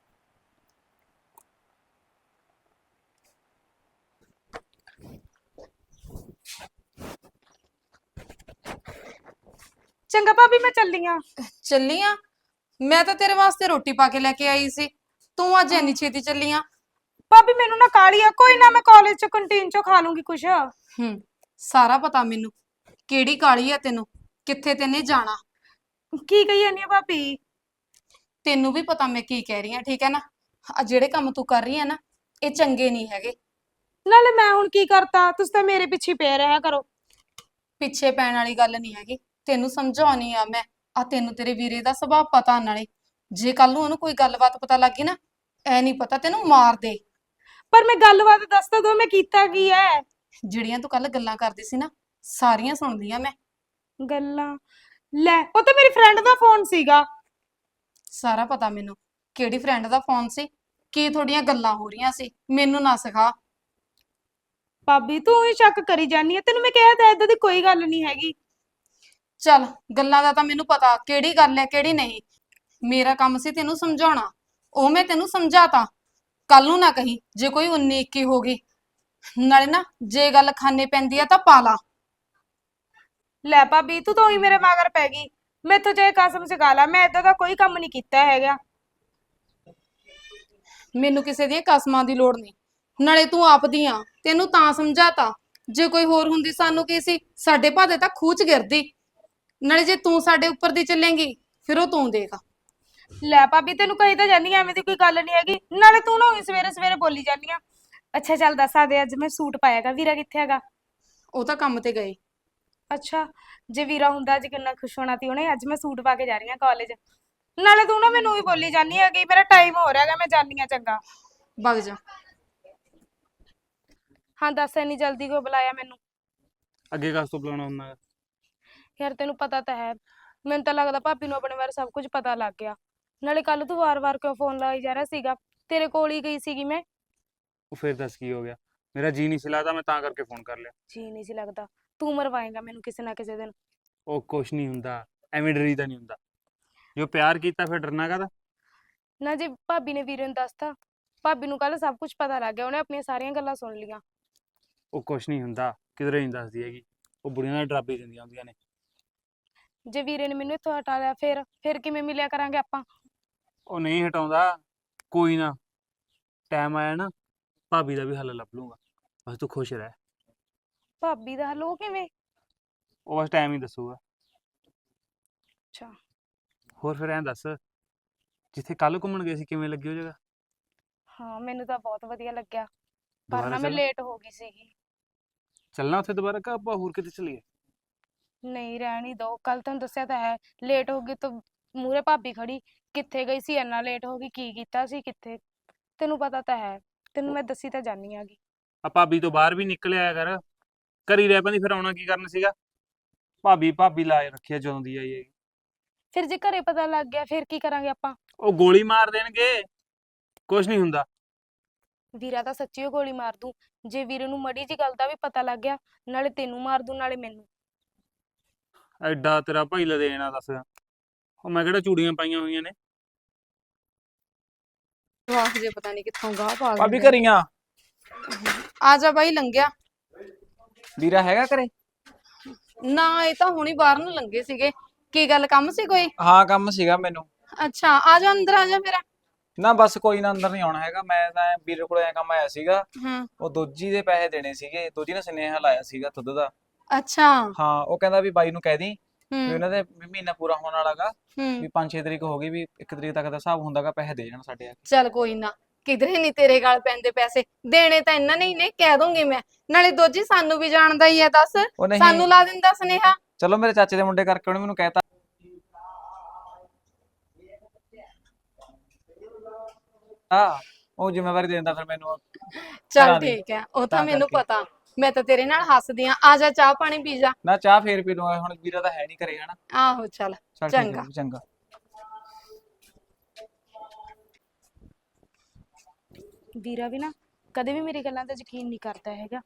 Speaker 3: ਚੰਗਾ ਭਾਬੀ, ਮੈਂ ਚੱਲੀ ਆਂ।
Speaker 2: ਚੱਲੀ ਆ? ਮੈਂ ਤਾਂ ਤੇਰੇ ਵਾਸਤੇ ਰੋਟੀ ਪਾ ਕੇ ਲੈ ਕੇ ਆਈ ਸੀ, ਤੂੰ ਅੱਜ ਇੰਨੀ ਛੇਤੀ ਚੱਲੀ ਆ?
Speaker 3: ਭਾਬੀ ਮੈਨੂੰ ਨਾ ਕਾਹਲੀ ਆ, ਕੋਈ ਨਾ, ਮੈਂ ਕਾਲਜ ਚ ਕੰਟੀਨ ਚੋਂ ਖਾ ਲੂੰਗੀ ਕੁਛ।
Speaker 2: ਹੂੰ, ਸਾਰਾ ਪਤਾ ਮੈਨੂੰ ਕਿਹੜੀ ਕਾਲੀ ਆ ਤੈਨੂੰ, ਕਿੱਥੇ ਤੈਨੇ ਜਾਣਾ।
Speaker 3: ਕੀ ਕਹੀ ਜਾਂਦੀ ਆ ਭਾਬੀ?
Speaker 2: ਤੈਨੂੰ ਵੀ ਪਤਾ ਮੈਂ ਕੀ ਕਹਿ ਰਹੀ ਆ, ਠੀਕ ਹੈ ਨਾ? ਆ ਜਿਹੜੇ ਕੰਮ ਤੂੰ ਕਰ ਰਹੀ ਆ ਨਾ, ਇਹ ਚੰਗੇ ਨਹੀਂ ਹੈਗੇ।
Speaker 3: ਨਾਲੇ ਮੈਂ ਹੁਣ ਕੀ ਕਰਤਾ, ਤੁਸੀਂ ਤਾਂ ਮੇਰੇ ਪਿੱਛੇ ਪੈ ਰਿਹਾ ਕਰੋ।
Speaker 2: ਪਿੱਛੇ ਪੈਣ ਵਾਲੀ ਗੱਲ ਨਹੀਂ ਹੈਗੀ, ਤੈਨੂੰ ਸਮਝਾਉਣੀ ਆ ਮੈਂ। ਆ ਤੈਨੂੰ ਤੇਰੇ ਵੀਰੇ ਦਾ ਸੁਭਾਅ ਪਤਾ, ਨਾਲੇ ਜੇ ਕੱਲ ਨੂੰ ਉਹਨੂੰ ਕੋਈ ਗੱਲਬਾਤ ਪਤਾ ਲੱਗੀ ਨਾ, ਐ ਨਹੀਂ ਪਤਾ ਤੈਨੂੰ ਮਾਰ ਦੇ।
Speaker 3: ਪਰ ਮੈਂ ਗੱਲਬਾਤ ਦੱਸ ਤਾਂ ਦੋ, ਮੈਂ ਕੀਤਾ ਕੀ ਹੈ?
Speaker 2: ਜਿਹੜੀਆਂ ਤੂੰ ਕੱਲ ਗੱਲਾਂ ਕਰਦੀ ਸੀ ਨਾ, ਸਾਰੀਆਂ ਸੁਣ ਲਈਆਂ ਮੈਂ।
Speaker 3: ਗੱਲਾਂ? ਲੈ, ਉਹ ਤਾਂ ਮੇਰੀ ਫਰੈਂਡ ਦਾ ਫੋਨ ਸੀਗਾ।
Speaker 2: ਸਾਰਾ ਪਤਾ ਮੈਨੂੰ ਕਿਹੜੀ ਫਰੈਂਡ ਦਾ ਫੋਨ ਸੀ, ਕੀ ਤੁਹਾਡੀਆਂ ਗੱਲਾਂ ਹੋ ਰਹੀਆਂ ਸੀ, ਮੈਨੂੰ ਨਾ ਸਿਖਾ।
Speaker 3: ਭਾਬੀ ਤੂੰ ਹੀ ਸ਼ੱਕ ਕਰੀ ਜਾਨੀ ਆ, ਤੈਨੂੰ ਮੈਂ ਕਿਹਾ ਤਾਂ ਏਦਾਂ ਦੀ ਕੋਈ ਗੱਲ ਨਹੀਂ ਹੈਗੀ।
Speaker 2: ਚੱਲ, ਗੱਲਾਂ ਦਾ ਤਾਂ ਮੈਨੂੰ ਪਤਾ ਕਿਹੜੀ ਗੱਲ ਹੈ ਕਿਹੜੀ ਨਹੀਂ। ਮੇਰਾ ਕੰਮ ਸੀ ਤੈਨੂੰ ਸਮਝਾਉਣਾ, ਉਹ ਮੈਂ ਤੈਨੂੰ ਸਮਝਾਤਾ। ਕੱਲ ਨੂੰ ਨਾ ਕਹੀਂ ਜੇ ਕੋਈ ਉੱਨੀ ਇੱਕੀ ਹੋ ਗਈ। ਨਾਲੇ ਨਾ, ਜੇ ਗੱਲ ਖਾਨੇ ਪੈਂਦੀ ਆ ਤਾਂ ਪਾ ਲਾ।
Speaker 3: ਲੈ ਭਾਬੀ, ਤੂੰ ਤਾਂ ਉਹੀ ਮੇਰੇ ਮਗਰ ਪੈ ਗਈ। ਮੈਥੋਂ ਚਾਹੇ ਕਸਮ ਸਿਖਾ ਲਾ, ਮੈਂ ਏਦਾਂ ਦਾ ਕੋਈ ਕੰਮ ਨਹੀਂ ਕੀਤਾ ਹੈਗਾ।
Speaker 2: ਮੈਨੂੰ ਕਿਸੇ ਦੀਆਂ ਕਸਮਾਂ ਦੀ ਲੋੜ ਨਹੀਂ, ਨਾਲੇ ਤੂੰ ਆਪਦੀ ਆ, ਤੈਨੂੰ ਤਾਂ ਸਮਝਾਤਾ। ਜੇ ਕੋਈ ਹੋਰ ਹੁੰਦੀ ਸਾਨੂੰ ਕੀ ਸੀ, ਸਾਡੇ ਭਾਦੇ ਤਾਂ ਖੂਹ ਚ ਗਿਰਦੀ। ਨਾਲੇ ਜੇ ਤੂੰ ਸਾਡੇ ਉੱਪਰ ਦੀ ਚੱਲੇਂਗੀ, ਫਿਰ ਉਹ ਤੂੰ ਦੇਖ।
Speaker 3: ਲੈ ਭਾਬੀ, ਤੈਨੂੰ ਕਹੀ ਤਾਂ ਜਾਨੀ ਆ, ਐਵੇਂ ਦੀ ਕੋਈ ਗੱਲ ਨਹੀਂ ਹੈਗੀ। ਨਾਲੇ ਤੂੰ ਨਾ ਉਹੀ ਸਵੇਰੇ ਸਵੇਰੇ ਬੋਲੀ ਜਾਨੀ ਆ। ਅੱਛਾ ਚੱਲ ਦੱਸ ਦੇ, ਅੱਜ ਮੈਂ ਸੂਟ ਪਾਇਆਗਾ, ਵੀਰਾ ਕਿੱਥੇ ਹੈਗਾ?
Speaker 2: ਉਹ ਤਾਂ ਕੰਮ ਤੇ ਗਏ।
Speaker 3: ਅੱਛਾ, ਜੇ ਵੀਰਾ ਹੁੰਦਾ ਅੱਜ ਕਿੰਨਾ ਖੁਸ਼ ਹੋਣਾ ਸੀ ਉਹਨੇ। ਅੱਜ ਮੈਂ ਸੂਟ ਪਾ ਕੇ ਜਾ ਰਹੀ ਹਾਂ ਕਾਲਜ। ਨਾਲੇ ਤੂੰ ਨਾ ਮੈਨੂੰ ਹੀ ਬੋਲੀ ਜਾਨੀ ਹੈਗੀ, ਮੇਰਾ ਟਾਈਮ ਹੋ ਰਿਹਾ ਹੈਗਾ, ਮੈਂ ਜਾਨੀ ਆ। ਚੰਗਾ,
Speaker 2: ਵਗ ਜਾ।
Speaker 3: ਹਾਂ ਦੱਸ, ਇੰਨੀ ਜਲਦੀ ਕਿਉਂ ਬੁਲਾਇਆ ਮੈਨੂੰ?
Speaker 4: ਅੱਗੇ ਕਾਸ ਤੋਂ ਬੁਲਾਉਣਾ ਹੁੰਦਾ ਗਾ?
Speaker 3: ਯਾਰ ਤੈਨੂੰ ਪਤਾ ਤਾਂ ਹੈ, ਮੈਨੂੰ ਤਾਂ ਲੱਗਦਾ ਭਾਬੀ ਨੂੰ ਆਪਣੇ ਬਾਰੇ ਸਭ ਕੁਝ ਪਤਾ ਲੱਗ ਗਿਆ। ਨਾਲੇ ਕੱਲ ਤੂੰ ਵਾਰ-ਵਾਰ ਕਿਉਂ ਫੋਨ ਲਾਈ ਜਾ ਰਿਹਾ ਸੀਗਾ? ਤੇਰੇ ਕੋਲ ਹੀ ਗਈ ਸੀਗੀ ਮੈਂ।
Speaker 4: ਉਹ ਫਿਰ ਦੱਸ ਕੀ ਹੋ ਗਿਆ? ਮੇਰਾ ਜੀ ਨਹੀਂ ਸੀ ਲੱਗਦਾ, ਮੈਂ ਤਾਂ ਕਰਕੇ ਫੋਨ ਕਰ ਲਿਆ।
Speaker 3: ਜੀ ਨਹੀਂ ਸੀ ਲੱਗਦਾ? ਤੂੰ ਮਰਵਾਏਂਗਾ ਮੈਨੂੰ ਕਿਸੇ ਨਾ ਕਿਸੇ ਦਿਨ।
Speaker 4: ਉਹ ਕੁਛ ਨਹੀਂ ਹੁੰਦਾ, ਐਵੇਂ ਡਰੀ ਤਾਂ ਨਹੀਂ ਹੁੰਦਾ। ਜੋ ਪਿਆਰ ਕੀਤਾ ਫਿਰ ਡਰਨਾ ਕਾਹਦਾ?
Speaker 3: ਨਾ ਜੇ ਭਾਬੀ ਨੇ ਵੀਰੇ ਨੂੰ ਦੱਸਤਾ, ਭਾਬੀ ਨੂੰ ਕੱਲ ਸਭ ਕੁਝ ਪਤਾ ਲੱਗ ਗਿਆ, ਉਹਨੇ ਆਪਣੀਆਂ ਸਾਰੀਆਂ ਗੱਲਾਂ ਸੁਣ ਲਈਆਂ।
Speaker 4: ਉਹ ਕੁਛ ਨਹੀਂ ਹੁੰਦਾ, ਕਿਧਰੇ ਨਹੀਂ ਦੱਸਦੀ ਹੈਗੀ। ਉਹ ਬੁੜੀਆਂ ਨਾਲ ਡਰਾਬੇ ਦਿੰਦੀਆਂ ਹੁੰਦੀਆਂ ਨੇ।
Speaker 3: ਜੇ ਵੀਰੇ ਨੇ ਮੈਨੂੰ ਇੱਥੋਂ ਹਟਾ ਲਿਆ, ਫਿਰ ਫਿਰ ਕਿਵੇਂ ਮਿਲਿਆ ਕਰਾਂਗੇ ਆਪਾਂ?
Speaker 4: ਉਹ ਨਹੀਂ ਹਟਾਉਂਦਾ, ਕੋਈ ਨਾ, ਟਾਈਮ ਆਇਆ ਨਾ, ਭਾਬੀ ਦਾ ਵੀ ਹੱਲ ਲੱਭ ਲੂੰਗਾ। ਬਸ ਤੂੰ ਖੁਸ਼ ਰਹਿ।
Speaker 3: ਭਾਬੀ ਦਾ ਹੱਲ ਉਹ ਕਿਵੇਂ?
Speaker 4: ਉਹ ਬਸ ਟਾਈਮ ਹੀ ਦੱਸੂਗਾ।
Speaker 3: ਅੱਛਾ,
Speaker 4: ਹੋਰ ਫਿਰ ਐਂ ਦੱਸ, ਜਿੱਥੇ ਕੱਲ ਘੁੰਮਣ ਗਏ ਸੀ ਕਿਵੇਂ ਲੱਗੀ ਉਹ ਜਗ੍ਹਾ?
Speaker 3: ਹਾਂ ਮੈਨੂੰ ਤਾਂ ਬਹੁਤ ਵਧੀਆ ਲੱਗਿਆ, ਪਰ
Speaker 4: ਦੁਬਾਰਾ
Speaker 3: ਨਾ ਮੈਂ
Speaker 4: ਚੱਲ
Speaker 3: ਲੇਟ ਹੋ ਗਈ ਸੀਗੀ।
Speaker 4: ਚੱਲਣਾ ਉੱਥੇ ਦੁਬਾਰਾ, ਕਿ ਆਪਾਂ ਹੋਰ ਕਿਤੇ ਚੱਲੀਏ?
Speaker 3: ਨਹੀਂ ਰਹਿਣ ਹੀ ਦੋ, ਕੱਲ ਤੁਹਾਨੂੰ ਦੱਸਿਆ ਤਾਂ ਹੈ, ਲੇਟ ਹੋ ਗਈ ਤਾਂ ਮੂਹਰੇ ਭਾਬੀ ਖੜੀ, ਕਿੱਥੇ ਗਈ ਸੀ ਇੰਨਾ ਲੇਟ ਹੋ ਗਈ, ਕੀ ਕੀਤਾ ਸੀ ਕਿੱਥੇ? ਤੈਨੂੰ ਪਤਾ ਤਾਂ ਹੈ, ਤੈਨੂੰ ਮੈਂ ਦੱਸੀ ਤਾਂ ਜਾਨੀ ਆਗੀ।
Speaker 4: ਆ ਭਾਬੀ ਤੋਂ ਬਾਹਰ ਵੀ ਨਿਕਲ ਆਇਆ ਕਰ, ਘਰੀ ਰਹਿ ਪੈਂਦੀ ਫਿਰ ਆਉਣਾ ਕੀ ਕਰਨ ਸੀਗਾ? ਭਾਬੀ ਭਾਬੀ ਲਾਏ ਰੱਖਿਆ ਜਦੋਂ ਦੀ ਆਈ ਹੈਗੀ।
Speaker 3: ਫਿਰ ਜੇ ਘਰੇ ਪਤਾ ਲੱਗ ਗਿਆ ਫਿਰ ਕੀ ਕਰਾਂਗੇ ਆਪਾਂ?
Speaker 4: ਉਹ ਗੋਲੀ ਮਾਰ ਦੇਣਗੇ, ਕੁਛ ਨਹੀਂ ਹੁੰਦਾ।
Speaker 3: ਵੀਰਾ ਤਾਂ ਸੱਚੀ ਓ ਗੋਲੀ ਮਾਰ ਦੂੰ, ਜੇ ਵੀਰੇ ਨੂੰ ਮੜੀ ਜੀ ਗੱਲ ਦਾ ਵੀ ਪਤਾ ਲੱਗ ਗਿਆ, ਨਾਲੇ ਤੈਨੂੰ ਮਾਰ ਦੂੰ ਨਾਲੇ ਮੈਨੂੰ।
Speaker 4: ਐਡਾ ਤੇਰਾ ਭਾਈ ਲਦੇਣਾ ਦੱਸ, ਉਹ ਮੈਂ ਕਿਹੜਾ ਚੂੜੀਆਂ ਪਾਈਆਂ ਹੋਈਆਂ ਨੇ?
Speaker 2: ਵਾਹ ਜੇ ਪਤਾ ਨਹੀਂ ਕਿੱਥੋਂ ਗਾਹ ਪਾ
Speaker 5: ਭਾਬੀ
Speaker 2: ਦਿੰਦੇ
Speaker 5: ਘਰੀਆਂ
Speaker 2: ਆ ਜਾ ਬਾਈ ਲੰਘਿਆ
Speaker 5: ਵੀਰਾ ਹੈਗਾ ਘਰੇ?
Speaker 2: ਨਾ ਇਹ ਤਾਂ ਹੁਣੀ ਬਾਹਰ ਨੂੰ ਲੰਘੇ ਸੀਗੇ ਕੀ ਗੱਲ ਕੰਮ ਸੀ ਕੋਈ
Speaker 5: ਹਾਂ ਕੰਮ ਸੀਗਾ ਮੈਨੂੰ।
Speaker 2: ਅੱਛਾ ਆ ਜਾ ਅੰਦਰ ਆ ਜਾ ਫਿਰ
Speaker 5: ਨਾ ਬਸ ਕੋਈ ਨਾ, ਅੰਦਰ ਨਹੀਂ ਆਉਣਾ ਹੈਗਾ। ਮੈਂ ਤਾਂ ਵੀਰੇ ਕੋਲ ਐ ਕੰਮ ਆਇਆ ਸੀਗਾ,
Speaker 2: ਹਾਂ
Speaker 5: ਉਹ ਦੋਜੀ ਦੇ ਪੈਸੇ ਦੇਣੇ ਸੀਗੇ। ਦੋਜੀ ਨੇ ਸੁਨੇਹਾ ਲਾਇਆ ਸੀਗਾ ਦੁੱਧ ਦਾ।
Speaker 2: ਅੱਛਾ
Speaker 5: ਹਾਂ ਉਹ ਕਹਿੰਦਾ ਵੀ ਬਾਈ ਨੂੰ ਕਹਿ ਦੀ ਵੀ
Speaker 2: ਹੂੰ
Speaker 5: ਉਹਨਾਂ ਦੇ ਵੀ ਮਹੀਨਾ ਪੂਰਾ ਹੋਣ ਵਾਲਾਗਾ,
Speaker 2: ਹੂੰ
Speaker 5: ਵੀ ਪੰਜ ਛੇ ਤਰੀਕ ਹੋ ਗਈ, ਵੀ ਇੱਕ ਤਰੀਕ ਤੱਕ ਦਾ ਹਿਸਾਬ ਹੁੰਦਾਗਾ, ਪੈਸੇ ਦੇ ਜਾਣ ਸਾਡੇ ਆ ਕੇ।
Speaker 2: ਚੱਲ ਕੋਈ ਨਾ ਕਿਧਰੇ ਨਹੀਂ ਤੇਰੇ ਗਾਲ ਪੈਂਦੇ ਪੈਸੇ ਦੇਣੇ ਤਾਂ ਇਹਨਾਂ ਨੇ ਹੀ ਨੇ ਕਹਿ ਦੂੰਗੀ ਮੈਂ ਨਾਲੇ ਦੋਜੀ ਸਾਨੂੰ ਵੀ ਜਾਣਦਾ ਹੀ ਹੈ ਦੱਸ
Speaker 5: ਉਹ ਨਹੀਂ,
Speaker 2: ਸਾਨੂੰ ਲਾ ਦਿੰਦਾ ਸੁਨੇਹਾ
Speaker 5: ਚਲੋ ਮੇਰੇ ਚਾਚੇ ਦੇ ਮੁੰਡੇ ਕਰਕੇ ਉਹਨੇ ਮੈਨੂੰ ਕਹਿਤਾ। ਹਾਂ ਉਹ ਜ਼ਿੰਮੇਵਾਰੀ ਦੇ ਦਿੰਦਾ ਫਿਰ ਮੈਨੂੰ।
Speaker 2: ਚੱਲ
Speaker 5: ਘਰਾਂ ਦੀ।
Speaker 2: ਠੀਕ ਹੈ ਉਹ ਤਾਂ
Speaker 5: ਤਾਂ
Speaker 2: ਮੈਨੂੰ
Speaker 5: ਕਰਕੇ।
Speaker 2: ਪਤਾ ਮੈਂ ਤਾਂ ਤੇਰੇ ਨਾਲ ਹੱਸਦੀ ਆ ਆ ਜਾ ਚਾਹ ਪਾਣੀ ਪੀ ਜਾ
Speaker 5: ਨਾ ਚਾਹ ਫੇਰ ਪੀ ਲੂੰਗਾ, ਹੁਣ ਵੀਰਾ ਤਾਂ ਹੈ ਨਹੀਂ ਘਰੇ ਹਨਾ।
Speaker 2: ਆਹੋ ਚੱਲ
Speaker 5: ਚੱਲ ਠੀਕ ਹੈ
Speaker 2: ਚੰਗਾ
Speaker 5: ਜੀ, ਚੰਗਾ।
Speaker 3: ਵੀਰਾ ਵੀ ਨਾ ਕਦੇ ਵੀ ਮੇਰੀ ਗੱਲਾਂ ਤੇ ਯਕੀਨ ਨਹੀਂ ਕਰਦਾ ਹੈਗਾ।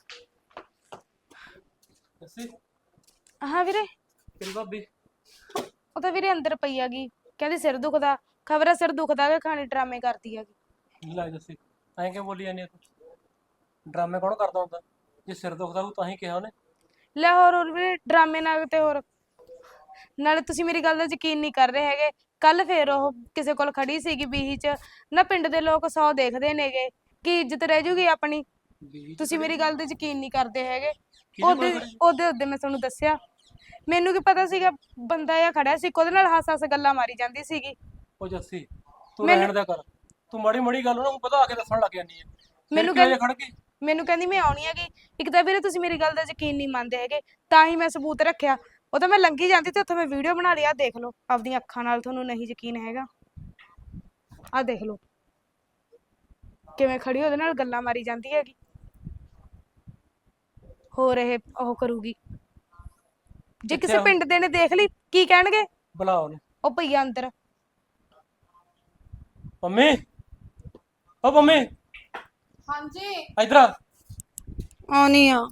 Speaker 1: ਦੱਸੀ
Speaker 3: ਹਾਂ ਵੀਰੇ,
Speaker 1: ਤੇਰੀ ਭਾਬੀ
Speaker 3: ਉਹ ਤਾਂ ਵੀਰੇ ਅੰਦਰ ਪਈ ਹੈਗੀ, ਕਹਿੰਦੀ ਸਿਰ ਦੁਖਦਾ। ਖਬਰ ਹੈ ਸਿਰ ਦੁਖਦਾ ਕਿ ਖਾਣੇ ਡਰਾਮੇ ਕਰਦੀ ਹੈਗੀ।
Speaker 1: ਲੈ ਦੱਸੀ ਐਂ ਕਿਉਂ ਬੋਲੀ ਜਾਂਦੀ ਆ ਤੂੰ? ਡਰਾਮੇ ਕੌਣ ਕਰਦਾ ਹੁੰਦਾ? ਜੇ ਸਿਰ ਦੁਖਦਾ ਉਹ ਤਾਂ ਹੀ ਕਿਹਾ ਉਹਨੇ।
Speaker 3: ਲੈ ਹੋਰ ਹੋਰ ਵੀਰੇ ਡਰਾਮੇ ਨਾਲ ਤੇ ਹੋਰ ਨਾਲੇ ਤੁਸੀਂ ਮੇਰੀ ਗੱਲ ਦਾ ਯਕੀਨ ਨਹੀਂ ਕਰ ਰਹੇ ਹੈਗੇ। ਕੱਲ ਫੇਰ ਉਹ ਕਿਸੇ ਕੋਲ ਖੜੀ ਸੀਗੀ ਬੀਹੀ ਚ ਨਾ, ਪਿੰਡ ਦੇ ਲੋਕ ਸੌ ਦੇਖਦੇ ਨੇਗੇ ਕਿ ਇੱਜ਼ਤ ਰਹਿ ਜੂਗੀ ਆਪਣੀ।
Speaker 1: ਵੀ
Speaker 3: ਤੁਸੀਂ ਮੇਰੀ ਗੱਲ ਤੇ ਯਕੀਨ ਨਹੀਂ ਕਰਦੇ ਹੈਗੇ।
Speaker 1: ਕਿਹਦੇ ਕੋਲ
Speaker 3: ਉਹਦੇ
Speaker 1: ਖੜੀ?
Speaker 3: ਉਹਦੇ ਉਹਦੇ ਮੈਂ ਤੁਹਾਨੂੰ ਦੱਸਿਆ, ਮੈਨੂੰ ਕੀ ਪਤਾ ਸੀਗਾ ਬੰਦਾ ਜਿਹਾ ਖੜਿਆ ਸੀ, ਉਹਦੇ ਨਾਲ ਹੱਸ ਹੱਸ ਗੱਲਾਂ ਮਾਰੀ ਜਾਂਦੀ ਸੀਗੀ।
Speaker 1: ਉਹ ਜੱਸੀ ਤੂੰ
Speaker 3: ਮੈਨੂੰ-
Speaker 1: ਰਹਿਣ ਦਿਆ ਕਰ, ਤੂੰ ਮਾੜੀ ਮਾੜੀ ਗੱਲ ਉਹਨੂੰ ਵਧਾ ਕੇ ਦੱਸਣ ਲੱਗ ਜਾਂਦੀ ਹੈ।
Speaker 3: ਮੈਨੂੰ
Speaker 1: ਮੈਨੂੰ ਕਿਹਾ
Speaker 3: ਕਹਿੰਦੀ-
Speaker 1: ਖੜ ਕੇ
Speaker 3: ਮੈਨੂੰ ਕਹਿੰਦੀ ਮੈਂ ਆਉਣੀ ਹੈਗੀ। ਇੱਕ ਤਾਂ ਵੀਰੇ ਤੁਸੀਂ ਮੇਰੀ ਗੱਲ ਦਾ ਯਕੀਨ ਨਹੀਂ ਮੰਨਦੇ ਹੈਗੇ, ਤਾਂ ਹੀ ਮੈਂ ਸਬੂਤ ਰੱਖਿਆ। ਉਹ ਤਾਂ ਮੈਂ ਲੰਘੀ ਜਾਂਦੀ ਤੇ ਉੱਥੇ ਮੈਂ ਵੀਡੀਓ ਬਣਾ ਲਈ। ਆਹ ਦੇਖ ਲਓ ਆਪਦੀਆਂ ਅੱਖਾਂ ਨਾਲ, ਤੁਹਾਨੂੰ ਨਹੀਂ ਯਕੀਨ ਹੈਗਾ? ਆਹ ਦੇਖ ਲਓ ਕਿਵੇਂ ਖੜੀ ਉਹਦੇ ਨਾਲ ਗੱਲਾਂ ਮਾਰੀ ਜਾਂਦੀ ਹੈਗੀ। ਹੋਰ ਇਹ ਉਹ ਕਰੂਗੀ ਜੇ ਕਿਸੇ
Speaker 1: ਕਿੱਥੇ ਆ?
Speaker 3: ਪਿੰਡ ਦੇ ਨੇ ਦੇਖ ਲਈ ਕੀ ਕਹਿਣਗੇ?
Speaker 1: ਬੁਲਾ ਉਹਨੂੰ।
Speaker 3: ਉਹ ਪਈਆ ਅੰਦਰ।
Speaker 1: ਮੰਮੀ ਓ ਮੰਮੀ
Speaker 2: ਹਾਂਜੀ
Speaker 1: ਇਧਰ ਆ।
Speaker 2: ਆਉਣੀ ਆ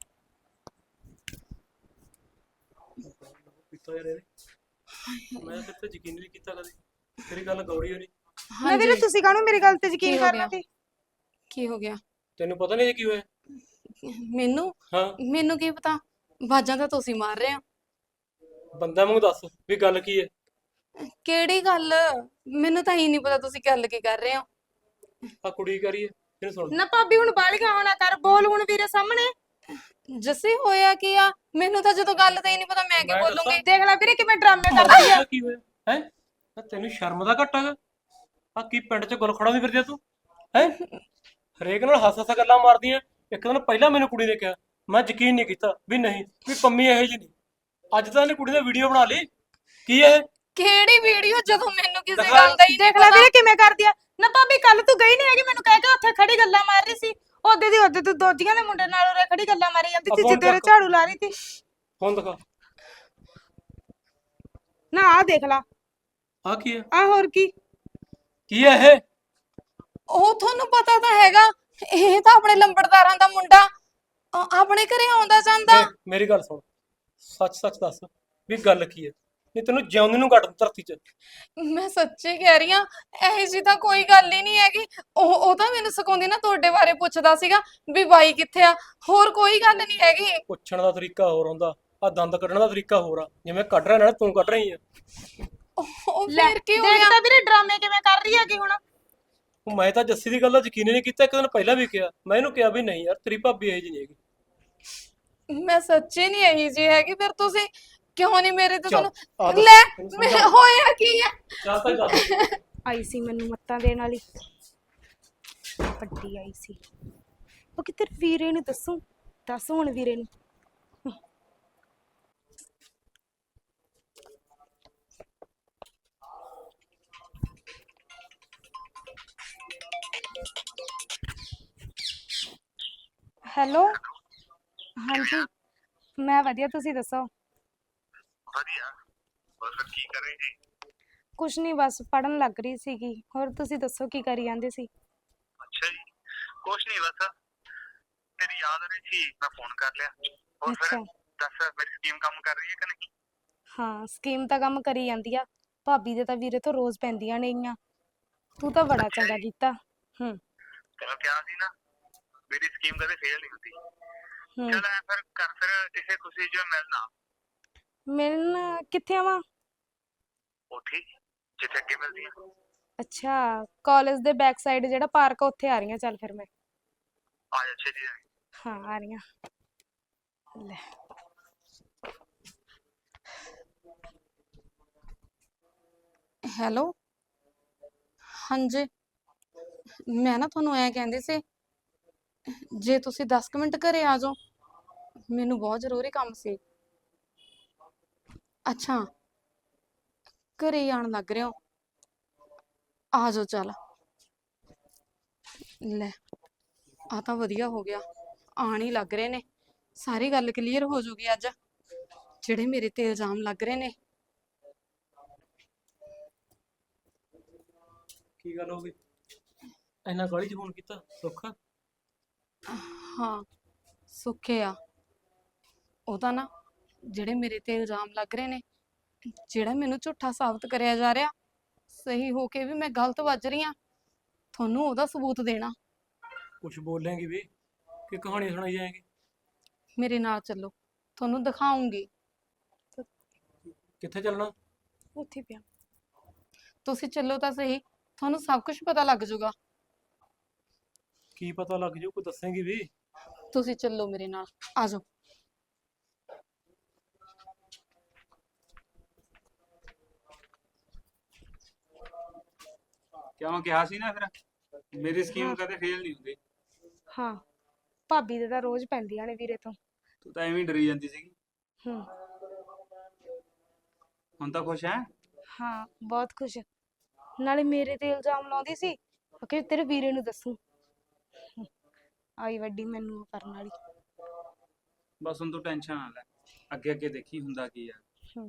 Speaker 1: ਪੀਤਾ ਯਾਰ ਇਹਨੇ। ਮੈਂ ਤੇਰੇ ਤੇ ਯਕੀਨ ਨਹੀਂ ਕੀਤਾ ਕਦੇ, ਤੇਰੀ ਗੱਲ ਗੌਰੀ ਹੋਣੀ।
Speaker 3: ਨਾ ਵੀਰੇ ਤੁਸੀਂ ਕਾਹਨੂੰ ਮੇਰੀ ਗੱਲ ਤੇ ਯਕੀਨ
Speaker 2: ਕੀ ਹੋ
Speaker 3: ਕਰਨਾ
Speaker 2: ਗਿਆ?
Speaker 3: ਸੀ?
Speaker 2: ਕੀ ਹੋ ਗਿਆ
Speaker 1: ਤੈਨੂੰ ਪਤਾ ਨਹੀਂ ਇਹ ਕੀ ਹੋਇਆ?
Speaker 2: ਮੈਨੂੰ
Speaker 1: ਹਾਂ
Speaker 2: ਮੈਨੂੰ ਕੀ ਪਤਾ ਬਾਜਾਂ ਤਾਂ ਤੁਸੀਂ ਮਾਰ ਰਹੇ ਹੋ
Speaker 1: ਬੰਦਾ ਮੈਨੂੰ ਦੱਸ ਵੀ ਗੱਲ ਕੀ ਹੈ?
Speaker 2: ਕਿਹੜੀ ਗੱਲ ਮੈਨੂੰ ਤਾਂ ਹੀ ਨਹੀਂ ਪਤਾ ਤੁਸੀਂ ਗੱਲ ਕੀ ਕਰ ਰਹੇ ਹੋ
Speaker 1: ਆ ਕੁੜੀ ਕਰੀਏ ਇਹਨੂੰ ਸੁਣ।
Speaker 3: ਨਾ ਭਾਬੀ ਹੁਣ ਬਾਲੀਆਂ ਹੋਣਾ ਕਰ, ਬੋਲ ਹੁਣ ਵੀਰੇ ਸਾਹਮਣੇ।
Speaker 2: ਜੱਸੀ ਹੋਇਆ ਕੀ ਆ ਮੈਨੂੰ ਤਾਂ ਜਦੋਂ ਗੱਲ ਤਾਂ ਹੀ ਨਹੀਂ ਪਤਾ ਮੈਂ ਕੀ
Speaker 1: ਮੈਂ
Speaker 2: ਬੋਲੂੰਗੀ
Speaker 3: ਦੇਖ ਲੈ ਵੀਰੇ ਕਿਵੇਂ ਡਰਾਮੇ ਕਰਦੀ ਆ।
Speaker 1: ਆ ਕੀ ਹੋਇਆ ਹੈ? ਤੈਨੂੰ ਸ਼ਰਮ ਦਾ ਘੱਟ ਹੈਗਾ? ਆ ਕੀ ਪਿੰਡ 'ਚ ਗੁਲ ਖੜਾ ਨਹੀਂ ਫਿਰਦੀ ਤੂੰ ਹੈ? ਹਰੇਕ ਨਾਲ ਹੱਸ ਹੱਸ ਗੱਲਾਂ ਮਾਰਦੀਆਂ। ਇੱਕ ਦਿਨ ਪਹਿਲਾਂ ਮੈਨੂੰ ਕੁੜੀ ਨੇ ਕਿਹਾ, ਮੈਂ ਯਕੀਨ ਨਹੀਂ ਕੀਤਾ ਵੀ ਨਹੀਂ ਵੀ ਪੰਮੀ ਇਹੋ ਜਿਹੀ ਨਹੀਂ। ਅੱਜ ਤਾਂ ਇਹਨੇ ਕੁੜੀ ਨੇ ਵੀਡੀਓ ਬਣਾ ਲਈ। ਕੀ ਇਹ?
Speaker 2: ਕਿਹੜੀ ਵੀਡੀਓ ਜਦੋਂ ਮੈਨੂੰ ਕਿਸੇ
Speaker 1: ਦਿਖਾ।
Speaker 2: ਗੱਲ ਦਾ ਹੀ ਨਹੀਂ
Speaker 3: ਦੇਖ ਲੈ
Speaker 2: ਪਤਾ
Speaker 3: ਵੀਰੇ ਕਿਵੇਂ ਕਰਦੀ ਆ। ਨਾ ਭਾਬੀ ਕੱਲ ਤੂੰ ਗਈ ਨਹੀਂ ਹੈਗੀ, ਮੈਨੂੰ ਕਹਿ ਕੇ ਉੱਥੇ ਖੜੀ ਗੱਲਾਂ ਮਾਰ ਰਹੀ ਸੀ। ਉਹਦੇ ਦੀ ਉਹਦੇ ਤੂੰ ਦੋਜੀਆਂ ਦੇ ਮੁੰਡੇ ਨਾਲ ਉਰੇ ਖੜੀ ਗੱਲਾਂ ਮਾਰੀ ਜਾਂਦੀ ਸੀ,
Speaker 1: ਆ ਫੋਨ
Speaker 3: ਜਿੱਦੇ ਉਰੇ
Speaker 1: ਚੱਕ।
Speaker 3: ਝਾੜੂ ਲਾ ਰਹੀ ਸੀ।
Speaker 1: ਫੋਨ ਦਿਖਾ।
Speaker 3: ਨਾ ਆਹ ਦੇਖ ਲਾ,
Speaker 1: ਆ ਕੀ ਹੈ?
Speaker 3: ਆਹ ਹੋਰ ਕੀ।
Speaker 1: ਕੀ ਹੈ ਇਹ?
Speaker 2: ਉਹ ਤੁਹਾਨੂੰ ਪਤਾ ਤਾਂ ਹੈਗਾ ਇਹ ਤਾਂ ਆਪਣੇ ਲੰਬੜਦਾਰਾਂ ਦਾ ਮੁੰਡਾ ਅ- ਆਪਣੇ ਘਰੇ ਆਉਂਦਾ ਜਾਂਦਾ
Speaker 1: ਦੇਖ ਮੇਰੀ ਗੱਲ ਸੁਣ, ਸੱਚ ਸੱਚ ਦੱਸ ਵੀ ਗੱਲ ਕੀ ਹੈ? ਨਹੀਂ ਤੈਨੂੰ ਜਿਉਂਦੇ ਨੂੰ ਕੱਟ ਦੂੰ ਧਰਤੀ 'ਚ।
Speaker 2: ਮੈਂ ਸੱਚੀ ਕਹਿ ਰਹੀ ਆ ਇਹ ਜੀ ਤਾਂ ਕੋਈ ਗੱਲ ਹੀ ਨਹੀਂ ਹੈਗੀ ਉਹ ਉਹ ਤਾਂ ਮੈਨੂੰ ਸਿਖਾਉਂਦੀ ਨਾ ਤੁਹਾਡੇ ਬਾਰੇ ਪੁੱਛਦਾ ਸੀਗਾ ਵੀ ਬਾਈ ਕਿੱਥੇ ਆ ਹੋਰ ਕੋਈ ਗੱਲ ਨਹੀਂ ਹੈਗੀ
Speaker 1: ਪੁੱਛਣ ਦਾ ਤਰੀਕਾ ਹੋਰ ਹੁੰਦਾ, ਆ ਦੰਦ ਕੱਢਣ ਦਾ ਤਰੀਕਾ ਹੋਰ ਆ। ਜਿਵੇਂ ਕੱਢ ਰਿਹਾ ਨਾਲ ਤੂੰ ਕੱਢ ਰਹੀ ਆ।
Speaker 2: ਉਹ- ਉਹ
Speaker 3: ਲੈ
Speaker 2: ਫਿਰ ਕੀ ਹੋ
Speaker 3: ਦੇਖ
Speaker 2: ਗਿਆ
Speaker 3: ਤਾਂ ਵੀਰੇ ਡਰਾਮੇ ਕਿਵੇਂ ਕਰ ਰਹੀ ਹੈਗੀ ਹੁਣ।
Speaker 1: ਉਹ ਮੈਂ ਤਾਂ ਜੱਸੀ ਦੀ ਗੱਲ ਦਾ ਯਕੀਨ ਹੀ ਨਹੀਂ ਕੀਤਾ। ਇੱਕ ਦਿਨ ਪਹਿਲਾਂ ਵੀ ਕਿਹਾ, ਮੈਂ ਇਹਨੂੰ ਕਿਹਾ ਵੀ ਨਹੀਂ ਯਾਰ ਤੇਰੀ ਭਾਬੀ ਇਹੋ ਜਿਹੀ ਨਹੀਂ ਹੈਗੀ।
Speaker 2: ਮੈਂ ਸੱਚੀ ਨਹੀਂ ਇਹੀ ਜੀ ਹੈਗੀ ਫਿਰ ਤੁਸੀਂ ਕਿਉਂ ਨਹੀਂ ਮੇਰੇ ਤੇ
Speaker 1: ਚੱਲ, ਆ
Speaker 2: ਤੁਹਾਨੂੰ
Speaker 1: ਦੱਸ,
Speaker 2: ਲੈ
Speaker 1: ਤੈਨੂੰ
Speaker 2: ਮੈਂ
Speaker 1: ਸਮਝਾਉਂ।
Speaker 2: ਹੋਇਆ ਕੀ ਆ
Speaker 1: ਚੱਲ ਤਾਂ ਦੱਸ।
Speaker 3: ਆਈ ਸੀ ਮੈਨੂੰ ਮੱਤਾਂ ਦੇਣ ਵਾਲੀ, ਵੱਡੀ ਆਈ ਸੀ। ਉਹ ਕਿਤੇ ਵੀਰੇ ਨੂੰ ਦੱਸੂ, ਦੱਸ ਹੁਣ ਵੀਰੇ ਨੂੰ। ਹੈਲੋ ਹਾਂਜੀ ਮੈਂ ਵਧੀਆ, ਤੁਸੀਂ ਦੱਸੋ?
Speaker 6: ਵਧੀਆ। ਹੋਰ ਫਿਰ ਕੀ ਕਰ ਰਹੀ ਸੀ?
Speaker 3: ਕੁਛ ਨਹੀਂ ਬਸ ਪੜਨ ਲੱਗ ਰਹੀ ਸੀਗੀ। ਹੋਰ ਤੁਸੀਂ ਦੱਸੋ ਕੀ ਕਰੀ ਜਾਂਦੇ ਸੀ?
Speaker 6: ਅੱਛਾ ਜੀ, ਕੁਛ ਨਹੀਂ ਬਸ ਤੇਰੀ ਯਾਦ ਆ ਰਹੀ ਸੀ, ਮੈਂ ਫੋਨ ਕਰ ਲਿਆ। ਹੋਰ ਫਿਰ
Speaker 3: ਅੱਛਾ।
Speaker 6: ਦੱਸ ਮੇਰੀ ਸਕੀਮ ਕੰਮ ਕਰ ਰਹੀ ਹੈ ਕਿ ਨਹੀਂ?
Speaker 3: ਹਾਂ ਸਕੀਮ ਤਾਂ ਕੰਮ ਕਰੀ ਜਾਂਦੀ ਆ। ਭਾਬੀ ਦੇ ਤਾਂ ਵੀਰੇ ਤੋਂ ਰੋਜ਼ ਪੈਂਦੀਆਂ ਨੇਗੀਆਂ। ਤੂੰ ਤਾਂ ਬੜਾ ਚੰਗਾ ਕੀਤਾ। ਹੂੰ
Speaker 6: ਤੈਨੂੰ ਕਿਹਾ ਸੀ ਨਾ ਮੇਰੀ ਸਕੀਮ ਕਦੇ ਫੇਲ ਨਹੀਂ ਹੁੰਦੀ।
Speaker 3: ਹੂੰ
Speaker 6: ਚੱਲ ਐ ਫਿਰ ਕਰ ਫਿਰ ਇਸੇ ਖੁਸ਼ੀ 'ਚ ਮਿਲਣਾ
Speaker 3: ਮਿਲਣ ਕਿੱਥੇ ਆਵਾਂ?
Speaker 6: ਉੱਥੇ ਹੀ, ਜਿੱਥੇ ਅੱਗੇ ਮਿਲਦੀ ਆ।
Speaker 3: ਅੱਛਾ, ਕਾਲਜ ਦੇ ਬੈਕ ਸਾਈਡ ਜਿਹੜਾ ਪਾਰਕ ਆ ਉੱਥੇ ਆ ਰਹੀ ਹਾਂ। ਚੱਲ ਫਿਰ ਮੈਂ।
Speaker 6: ਆ ਜਾ ਛੇਤੀ ਆ।
Speaker 3: ਹਾਂ ਆ ਰਹੀ ਹਾਂ। ਲੈ
Speaker 2: ਹੈਲੋ, ਹਾਂਜੀ। ਮੈਂ ਨਾ ਤੁਹਾਨੂੰ ਐ ਕਹਿੰਦੀ ਸੀ, ਜੇ ਤੁਸੀਂ ਦਸ ਕੁ ਮਿੰਟ ਘਰੇ ਆ ਜਾਓ, ਮੈਨੂੰ ਬਹੁਤ ਜ਼ਰੂਰੀ ਕੰਮ ਸੀ। ਅੱਛਾ, ਘਰੇ ਹੀ ਆਉਣ ਲੱਗ ਰਹੇ ਹੋ? ਆ ਜਾਓ ਚੱਲ। ਲੈ, ਆ ਤਾਂ ਵਧੀਆ ਹੋ ਗਿਆ, ਆਣ ਹੀ ਲੱਗ ਰਹੇ ਨੇ। ਸਾਰੀ ਗੱਲ ਕਲੀਅਰ ਹੋ ਜੂਗੀ ਅੱਜ, ਜਿਹੜੇ ਮੇਰੇ ਤੇ ਇਲਜ਼ਾਮ ਲੱਗ ਰਹੇ ਨੇ।
Speaker 1: ਕੀ ਗੱਲ ਹੋ ਗਈ? ਇੰਨਾ ਕਾਹਲੀ 'ਚ ਫੋਨ ਕੀਤਾ ਸੁੱਖ?
Speaker 2: ਹਾਂ, ਸੁੱਖੇ ਆ ਉਹ ਤਾਂ ਨਾ, ਜਿਹੜੇ ਮੇਰੇ ਤੇ ਇਲਜ਼ਾਮ ਲੱਗ ਰਹੇ ਨੇ, ਜਿਹੜਾ ਮੈਨੂੰ ਝੂਠਾ ਸਾਬਤ ਕਰਿਆ ਜਾ ਰਿਹਾ, ਸਹੀ ਹੋ ਕੇ ਵੀ ਮੈਂ ਗਲਤ ਵੱਜ ਰਹੀ ਆ, ਤੁਹਾਨੂੰ ਉਹਦਾ ਸਬੂਤ ਦੇਣਾ।
Speaker 1: ਕੁਛ ਬੋਲੇਂਗੀ ਵੀ ਕਿ ਕਹਾਣੀ ਸੁਣਾਈ ਜਾਏਗੀ?
Speaker 2: ਮੇਰੇ ਨਾਲ ਚੱਲੋ, ਤੁਹਾਨੂੰ ਦਿਖਾਉਂਗੀ।
Speaker 1: ਕਿੱਥੇ ਚੱਲਣਾ?
Speaker 3: ਉੱਥੇ ਪਿਆ।
Speaker 2: ਤੁਸੀਂ ਚੱਲੋ ਤਾਂ ਸਹੀ, ਤੁਹਾਨੂੰ ਸਭ ਕੁਝ ਪਤਾ ਲੱਗ ਜਾਊਗਾ।
Speaker 1: ਕੀ ਪਤਾ ਲੱਗ ਜੂ? ਕੋਈ ਦੱਸੇਂਗੀ ਵੀ?
Speaker 2: ਤੁਸੀਂ ਚੱਲੋ ਮੇਰੇ ਨਾਲ, ਆ ਜਾਓ।
Speaker 4: ਕਿਉਂ ਕਿਹਾ ਸੀ ਨਾ ਫਿਰ ਮੇਰੀ ਸਕੀਮ
Speaker 3: ਹਾਂ।
Speaker 4: ਕਦੇ ਫੇਲ ਨਹੀਂ ਹੁੰਦੀ।
Speaker 3: ਹਾਂ, ਭਾਬੀ ਦੇ ਤਾਂ ਰੋਜ਼ ਪੈਂਦੀਆਂ ਨੇ ਵੀਰੇ ਤੋਂ।
Speaker 4: ਤੂੰ ਤਾਂ ਐਵੇਂ ਹੀ ਡਰੀ ਜਾਂਦੀ ਸੀਗੀ।
Speaker 3: ਹੂੰ
Speaker 4: ਹੁਣ ਤਾਂ ਖੁਸ਼ ਹੈ?
Speaker 3: ਹਾਂ ਬਹੁਤ ਖੁਸ਼। ਨਾਲੇ ਮੇਰੇ ਤੇ ਇਲਜ਼ਾਮ ਲਾਉਂਦੀ ਸੀ ਕਿ ਤੇਰੇ ਵੀਰੇ ਨੂੰ ਦੱਸੂ। ਹੂੰ, ਆਈ ਵੱਡੀ ਮੈਨੂੰ ਉਹ ਕਰਨ ਵਾਲੀ।
Speaker 4: ਬਸ ਹੁਣ ਤੂੰ ਟੈਨਸ਼ਨ ਨਾ ਲੈ, ਅੱਗੇ ਅੱਗੇ ਦੇਖੀ ਹੁੰਦਾ ਕੀ ਆ।
Speaker 3: ਹੂੰ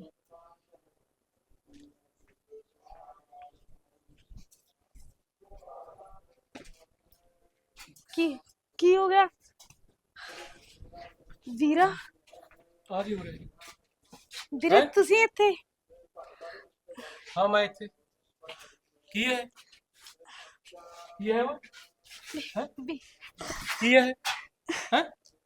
Speaker 3: ਕੀ ਕੀ ਹੋ ਗਿਆ ਵੀਰਾ?
Speaker 1: ਆ ਜੀ ਉਰੇ।
Speaker 3: ਵੀਰੇ
Speaker 1: ਹੈਂ?
Speaker 3: ਤੁਸੀਂ ਇੱਥੇ?
Speaker 1: ਹਾਂ ਮੈਂ ਇੱਥੇ। ਕੀ ਹੈ? ਕੀ ਹੈ ਉਹ? ਹੈਂ?
Speaker 3: ਵੀ
Speaker 1: ਕੀ ਹੈ? ਹੈਂ?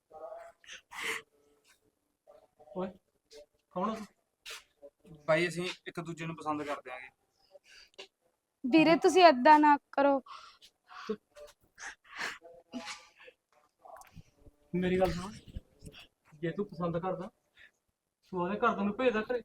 Speaker 1: ਓਏ ਕੌਣ ਆ ਤੂੰ?
Speaker 4: ਭਾਈ ਅਸੀਂ ਇੱਕ ਦੂਜੇ ਨੂੰ ਪਸੰਦ ਕਰਦੇ ਆਂਗੇ।
Speaker 3: ਵੀਰੇ ਤੁਸੀਂ ਏਦਾਂ ਨਾ ਕਰੋ।
Speaker 1: ਮੇਰੀ ਗੱਲ ਸੁਣ, ਜੇ ਤੂੰ ਪਸੰਦ ਕਰਦਾ ਤੂੰ ਉਹਦੇ ਘਰ ਨੂੰ ਭੇਜਦਾ ਘਰੇ।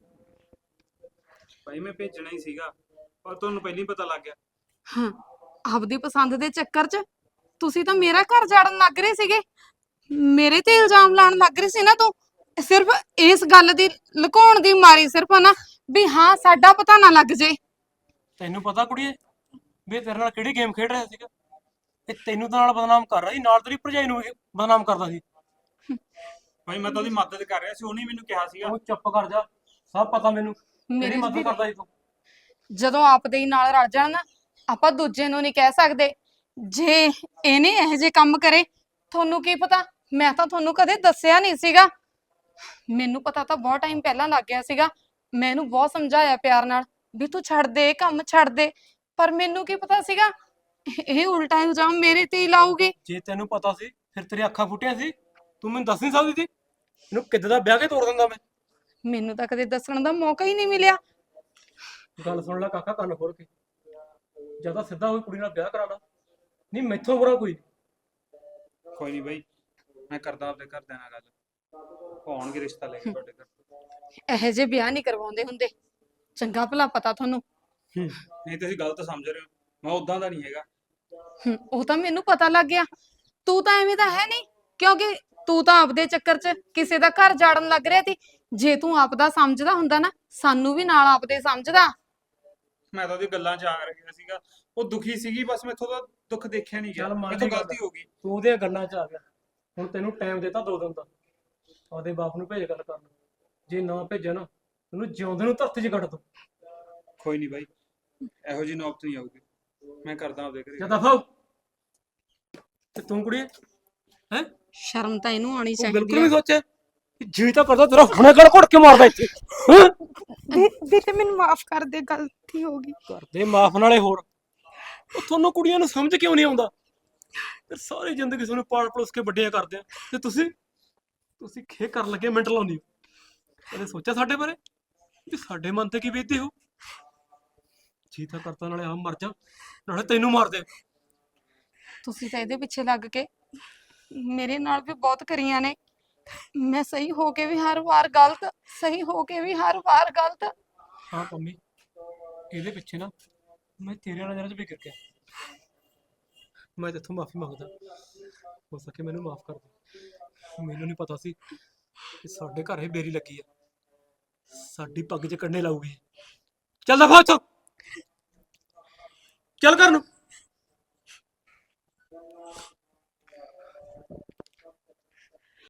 Speaker 4: ਭਾਈ ਮੈਂ ਭੇਜਣਾ ਹੀ ਸੀਗਾ, ਪਰ ਤੁਹਾਨੂੰ ਪਹਿਲਾਂ ਹੀ ਪਤਾ ਲੱਗ ਗਿਆ।
Speaker 2: ਹਾਂ, ਆਪਦੀ ਪਸੰਦ ਦੇ ਚੱਕਰ 'ਚ ਤੁਸੀਂ ਤਾਂ ਮੇਰਾ ਘਰ ਜਾੜਨ ਲੱਗ ਰਹੇ ਸੀਗੇ, ਮੇਰੇ ਤੇ ਇਲਜ਼ਾਮ ਲਾਉਣ ਲੱਗ ਰਹੇ ਸੀ ਨਾ। ਤੂੰ ਸਿਰਫ ਇਸ ਗੱਲ ਦੀ ਲੁਕਾਉਣ ਦੀ ਮਾਰੀ, ਸਿਰਫ ਨਾ ਵੀ ਹਾਂ ਸਾਡਾ ਪਤਾ ਨਾ ਲੱਗ ਜੇ।
Speaker 1: ਤੈਨੂੰ ਪਤਾ ਕੁੜੀਏ ਵੀ ਇਹ ਤੇਰੇ ਨਾਲ ਕਿਹੜੀ ਗੇਮ ਖੇਡ ਰਿਹਾ ਸੀਗਾ? ਇਹ ਤੈਨੂੰ ਤਾਂ ਨਾਲ ਬਦਨਾਮ ਕਰ ਰਿਹਾ ਸੀ, ਨਾਲ ਤੇਰੀ ਭਰਜਾਈ ਨੂੰ ਵੀ ਬਦਨਾਮ ਕਰਦਾ ਸੀ।
Speaker 4: ਭਾਈ ਮੈਂ ਤਾਂ ਉਹਦੀ ਮਦਦ ਕਰ ਰਿਹਾ ਸੀ, ਉਹਨੇ ਮੈਨੂੰ ਕਿਹਾ ਸੀਗਾ।
Speaker 1: ਉਹ ਚੁੱਪ ਕਰ ਜਾ, ਸਭ ਪਤਾ ਮੈਨੂੰ
Speaker 2: ਮੇਰੀ
Speaker 1: ਕਿਹੜੀ ਮਦਦ
Speaker 2: ਵੀਰੇ-
Speaker 1: ਕਰਦਾ ਸੀ ਤੂੰ।
Speaker 2: ਜਦੋਂ ਆਪਦੇ ਹੀ ਨਾਲ ਰਲ ਜਾਣ ਨਾ, ਆਪਾਂ ਦੂਜੇ ਨੂੰ ਨਹੀਂ ਕਹਿ ਸਕਦੇ। ਜੇ ਇਹਨੇ ਇਹੋ ਜਿਹੇ ਕੰਮ ਕਰੇ, ਤੁਹਾਨੂੰ ਕੀ ਪਤਾ? ਮੈਂ ਤਾਂ ਤੁਹਾਨੂੰ ਕਦੇ ਦੱਸਿਆ ਨਹੀਂ ਸੀਗਾ। ਮੈਨੂੰ ਪਤਾ ਤਾਂ ਬਹੁਤ ਟਾਈਮ ਪਹਿਲਾਂ ਲੱਗ ਗਿਆ ਸੀਗਾ। ਮੈਂ ਇਹਨੂੰ ਬਹੁਤ ਸਮਝਾਇਆ ਪਿਆਰ ਨਾਲ ਵੀ ਤੂੰ ਛੱਡ ਦੇ, ਇਹ ਕੰਮ ਛੱਡ ਦੇ, ਪਰ ਮੈਨੂੰ ਕੀ ਪਤਾ ਸੀਗਾ ਇਹ ਉਲਟਾ ਇਲਜ਼ਾਮ ਮੇਰੇ ਤੇ ਹੀ ਲਾਊਗੀ।
Speaker 1: ਜੇ ਤੈਨੂੰ ਪਤਾ ਸੀ ਫਿਰ ਤੇਰੀ ਅੱਖਾਂ ਫੁੱਟੀਆਂ ਸੀ, ਤੂੰ ਮੈਨੂੰ ਦੱਸ ਨਹੀਂ ਸਕਦੀ ਸੀ? ਇਹਨੂੰ ਕਿੱਦਾਂ ਦਾ ਵਿਆਹ ਕੇ ਤੋੜ ਦਿੰਦਾ ਮੈਂ।
Speaker 2: ਮੈਨੂੰ ਤਾਂ ਕਦੇ ਦੱਸਣ ਦਾ ਮੌਕਾ ਹੀ ਨਹੀਂ ਮਿਲਿਆ।
Speaker 1: ਗੱਲ ਸੁਣ ਲੈ ਕਾਕਾ, ਕੰਨ ਖੋਲ ਕੇ। ਜਾਂ ਤਾਂ ਸਿੱਧਾ ਹੋਈ ਕੁੜੀ ਨਾਲ ਵਿਆਹ ਕਰਾ ਲਾ, ਨਹੀਂ ਮੈਥੋਂ ਬੁਰਾ ਕੋਈ।
Speaker 4: ਕੋਈ ਨਹੀਂ ਬਾਈ, ਮੈਂ ਕਰਦਾ ਆਪਦੇ ਘਰਦਿਆਂ ਨਾਲ ਗੱਲ, ਉਹ ਆਉਣਗੇ ਰਿਸ਼ਤਾ ਲੈ ਕੇ ਤੁਹਾਡੇ ਘਰ।
Speaker 2: ਇਹੋ ਜਿਹੇ ਵਿਆਹ ਨਹੀਂ ਕਰਵਾਉਂਦੇ ਹੁੰਦੇ, ਚੰਗਾ ਭਲਾ ਪਤਾ ਤੁਹਾਨੂੰ।
Speaker 4: ਨਹੀਂ ਤੁਸੀਂ ਗਲਤ ਸਮਝ ਰਹੇ ਹੋ, ਮੈਂ ਉਦਾਂ ਦਾ ਨਹੀਂ ਹੈਗਾ।
Speaker 2: ਹਮ, ਉਹ ਤਾਂ ਮੈਨੂੰ ਪਤਾ ਲੱਗ ਗਿਆ। ਤੂੰ ਤਾਂ ਐਵੇਂ ਦਾ ਹੈ ਨਹੀਂ, ਕਿਉਂਕਿ ਤੂੰ ਤਾਂ ਆਪਦੇ ਚੱਕਰ 'ਚ ਕਿਸੇ ਦਾ ਘਰ ਜਾੜਨ ਲੱਗ ਰਿਹਾ ਸੀ। ਜੇ ਤੂੰ ਆਪਦਾ ਸਮਝਦਾ ਹੁੰਦਾ ਨਾ, ਸਾਨੂੰ ਵੀ ਨਾਲ ਆਪਦੇ ਸਮਝਦਾ।
Speaker 4: ਮੈਂ ਤਾਂ ਉਹਦੀ ਗੱਲਾਂ 'ਚ ਆ ਰਿਹਾ ਸੀਗਾ, ਉਹ ਦੁਖੀ ਸੀਗੀ, ਬਸ ਮੈਥੋਂ ਤਾਂ ਦੁੱਖ ਦੇਖਿਆ ਨਹੀਂ ਗਿਆ,
Speaker 1: ਚੱਲ ਮੰਨ
Speaker 4: ਮੈਥੋਂ
Speaker 1: ਲਈ ਗੱਲ।
Speaker 4: ਗਲਤੀ ਹੋ ਗਈ।
Speaker 1: ਤੂੰ ਉਹਦੀਆਂ ਗੱਲਾਂ 'ਚ ਆ ਗਿਆ। ਹੁਣ ਤੈਨੂੰ ਟਾਈਮ ਦਿੱਤਾ ਦੋ ਦਿਨ ਦਾ, ਆਪਦੇ ਬਾਪ ਨੂੰ ਭੇਜ ਗੱਲ ਕਰਨ। ਜੇ ਨਾ ਭੇਜਿਆ ਨਾ ਤੈਨੂੰ ਜਿਉਂਦੇ ਨੂੰ ਧਰਤੀ 'ਚ ਕੱਢ ਦੋ।
Speaker 4: ਕੋਈ ਨਹੀਂ ਬਾਈ, ਇਹੋ ਜਿਹੀ ਨੌਬਤ ਨਹੀਂ ਆਊਗੀ, ਮੈਂ ਕਰਦਾ ਆਪਦੇ ਘਰੇ।
Speaker 1: ਜਾਂ ਦਫਾ ਹੋ। ਤੇ ਤੂੰ ਕੁੜੀਏ ਹੈ
Speaker 2: ਸ਼ਰਮ ਤਾਂ ਇਹਨੂੰ ਆਉਣੀ
Speaker 1: ਤੂੰ
Speaker 2: ਚਾਹੀਦੀ
Speaker 1: ਬਿਲਕੁਲ
Speaker 2: ਆ।
Speaker 1: ਵੀ ਸੋਚਿਆ ਜੀ ਤਾਂ ਕਰਦਾ ਤੇਰਾ ਹੁਣੇ ਗੜ ਘੁੱਟ ਕੇ ਮਾਰਦਾ ਇੱਥੇ। ਹੈਂ?
Speaker 3: ਵੀ- ਵੀਰੇ ਮੈਨੂੰ ਮਾਫ ਕਰ ਦੇ, ਗਲਤੀ ਹੋ ਗਈ।
Speaker 1: ਕਰਦੇ ਮਾਫ ਨਾਲੇ ਹੋਰ ਉਹ ਤੁਹਾਨੂੰ ਕੁੜੀਆਂ ਨੂੰ ਸਮਝ ਕਿਉਂ ਨਹੀਂ ਆਉਂਦਾ? ਤੇ ਸਾਰੀ ਜ਼ਿੰਦਗੀ ਤੁਹਾਨੂੰ ਪਾਲ ਪਲੋਸ ਕੇ ਵੱਡੀਆਂ ਕਰਦੇ ਆ, ਤੇ ਤੁਸੀਂ ਤੁਸੀਂ ਖੇ ਕਰਨ ਲੱਗੇ ਮਿੰਟ ਲਾਉਂਦੀ ਹੋ। ਕਦੇ ਸੋਚਿਆ ਸਾਡੇ ਬਾਰੇ ਵੀ ਸਾਡੇ ਮਨ ਤੇ ਕੀ ਬੀਤਦੀ ਹੋ? ਜੀ ਤਾਂ ਕਰਤਾ ਨਾਲੇ ਆਪ ਮਰ ਜਾ, ਨਾਲੇ ਤੈਨੂੰ ਮਾਰ ਦੇ।
Speaker 2: ਤੁਸੀਂ ਤਾਂ ਇਹਦੇ ਪਿੱਛੇ ਲੱਗ ਕੇ ਮੇਰੇ ਨਾਲ ਵੀ ਬਹੁਤ ਕਰੀਆਂ ਨੇ। ਮੈਂ ਸਹੀ ਹੋ ਕੇ ਵੀ ਹਰ ਵਾਰ ਗਲਤ, ਸਹੀ ਹੋ ਕੇ ਵੀ ਹਰ ਵਾਰ ਗਲਤ।
Speaker 1: ਹਾਂ ਪੰਮੀ, ਇਹਦੇ ਪਿੱਛੇ ਨਾ ਮੈਂ ਤੇਰੇ ਨਾਲ ਨਜ਼ਰ 'ਚ ਵਿਗੜ ਗਿਆ। ਮੈਂ ਤੇਥੋਂ ਮਾਫੀ ਮੰਗਦਾ, ਹੋ ਸਕੇ ਮੈਨੂੰ ਮਾਫ ਕਰ ਦੇ। ਮੈਨੂੰ ਨਹੀਂ ਪਤਾ ਸੀ ਕਿ ਸਾਡੇ ਘਰ ਇਹ ਬੇਰੀ ਲੱਗੀ ਆ, ਸਾਡੀ ਪੱਗ 'ਚ ਕੰਡੇ ਲਾਊਗੀ। ਚੱਲ ਦਫਾ ਇੱਥੋਂ, ਚੱਲ ਘਰ ਨੂੰ।